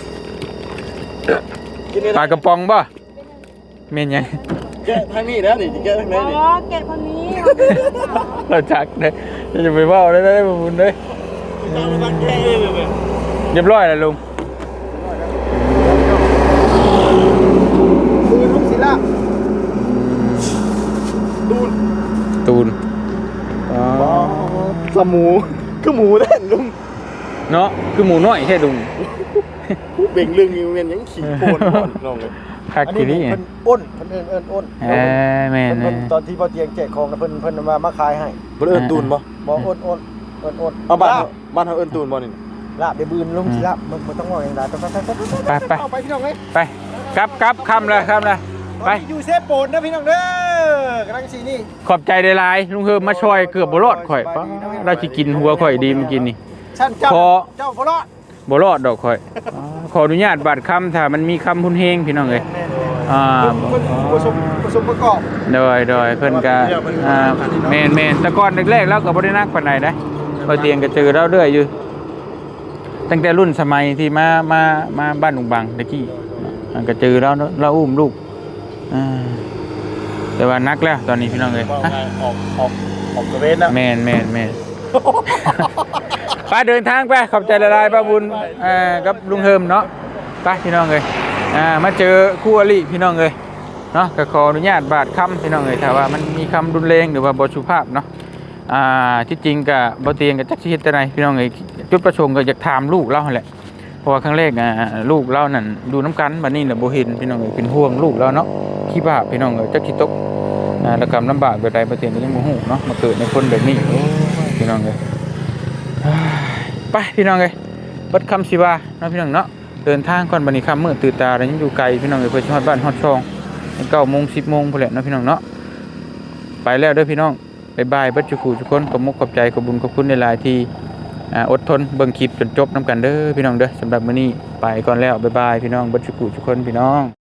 [SPEAKER 3] กินนี่
[SPEAKER 2] ปลากระป๋องบ่แม่นยัง
[SPEAKER 3] แกะทางนี้แล้วนี่แกะทาง
[SPEAKER 1] อ๋
[SPEAKER 3] นี้
[SPEAKER 1] อ
[SPEAKER 3] นี่
[SPEAKER 1] เกตคนนี้
[SPEAKER 2] เราจักได้จะไปเว่าได้ได้บุญเลย
[SPEAKER 3] ตามมาแกะเองเลย
[SPEAKER 2] เรียบร้อยแล้วลุง
[SPEAKER 3] ดูลูกศิลาดู
[SPEAKER 2] ตูนอ๋อ
[SPEAKER 3] สมูคือหมูแน่นลุง
[SPEAKER 2] เนาะคือหมูน้อยแค่ลุง
[SPEAKER 3] เบ่งเรื่องอยู่เวียนยังขี่โคนน้องเลย
[SPEAKER 2] คัก
[SPEAKER 3] อัน
[SPEAKER 2] ที
[SPEAKER 3] นี้
[SPEAKER 2] นี้
[SPEAKER 3] เพิ่นอ้นเพิ่นเอิ้นเอิ้นอ้น
[SPEAKER 2] เอ้ยแม่
[SPEAKER 3] เพิ่น
[SPEAKER 2] น
[SPEAKER 3] เพิ่นตอนที่พ่อเตียงแจกของน่ะเพิ่นเพิ่นมามาขายให้
[SPEAKER 4] เพิ่นเอิ้นตูนบ่
[SPEAKER 3] บ่อ้นอ้นอ้นอ้น
[SPEAKER 4] เอาบ้านเฮาบ้านเฮาเอิ้นตูนบ่นี่
[SPEAKER 3] ลาบไปบืนลุงสิลาบมันมันต้องว่าอย่างไรต้องไปไป
[SPEAKER 2] ไปไป
[SPEAKER 3] เอาไปพี่น้องเอ้ย
[SPEAKER 2] ไปกลับกลับคำเลยคำเลยไป
[SPEAKER 3] ตอนนี้อยู่เซฟโปนนะพี่น้องเด้อกำลังสีนี่
[SPEAKER 2] ขอบใจได้หลายลุงเฮิมมาช่วยเกือบบ่รอดข่อยปะเราสิกินหัวข่อยดีมันกินนี่
[SPEAKER 3] ชั้นเจ้า
[SPEAKER 2] ขอ
[SPEAKER 3] เจ้าบ่รอด
[SPEAKER 2] บ่รอดดอกข่อยอ๋อขออนุญาตบาดคำถ้ามันมีคำพุนเฮงพี่น้องเอ้ยอ่า
[SPEAKER 3] เพิ่นผสมผสมประกอบ
[SPEAKER 2] โดยโดยเพิ่นก็อ่าแม่นแม่นแต่ก่อนแรกๆเราก็บ่ได้นักปานใดนะพอเตียงก็เจอเราเรื่อยอยู่ ตั้งแต่รุ่นสมัยที่มามามาบ้านลุงบังตะกี้อ่าก็เจอแล้วเราอุ้มลูกอ่าแต่ว่านักแล้วตอนนี้พี่น้องเอ้ย
[SPEAKER 3] ว่า
[SPEAKER 2] ฮะ
[SPEAKER 3] ไงออกออกออกตะเวนนะ
[SPEAKER 2] แม่นแม่นแม่น ไปเดินทางไปขอบใจละลายป้าบุญอ่ากับลุงเฮิมเนาะไปพี่น้องเอ้ยอ่ามาเจอคู่อริพี่น้องเอ้ยเนาะก็ขออนุญาตบาดคำพี่น้องเอ้ยถ้าว่ามันมีคำรุนแรงหรือว่าบ่สุภาพเนาะอ่าที่จริงก็บ่เตียงกับจักสิเฮ็ดจังไดพี่น้องเอ้ยจุดประสงค์ก็อยากถามลูกเราหั่นแหละเพราะว่าครั้งแรกอ่าลูกเรานั่นดูน้ำกันบัดนี้น่ะบ่เห็นพี่น้องเอ้ยเป็นห่วงลูกเราเนาะขี้บาปพี่น้องเอ้ยจักสิตกอ่าแล้วก็ลำบากแบบใดบ่เตียงก็ยังบ่ฮู้เนาะมาเกิดในคนแบบนี้โอ้ยพี่น้องเอ้ย ไปพี่น้องเอ้ยบัดคำสิว่าเนาะพี่น้องเนาะเดินทางก่อนบัดนี้ค่ำมืดตื่นตาแล้วยังอยู่ไกลพี่น้องเอ้ยเพิ่นสิฮอดบ้านฮอดช่องเก้าโมงสิบโมงพุ่นแหละเนาะพี่น้องเนาะไปแล้วเด้อพี่น้องบ๊ายบายเบัดจุกูทุกคนขอบมุกขอบใจขอบบุญขอบคุณในหลายๆที่อ่าอดทนเบิ่งคลิปจนจบนํกันเด้อพี่น้องเด้อสำหรับมื้อนี้ไปก่อนแล้วบ๊ายบายพี่น้องเบัดจุกูทุกคนพี่น้อง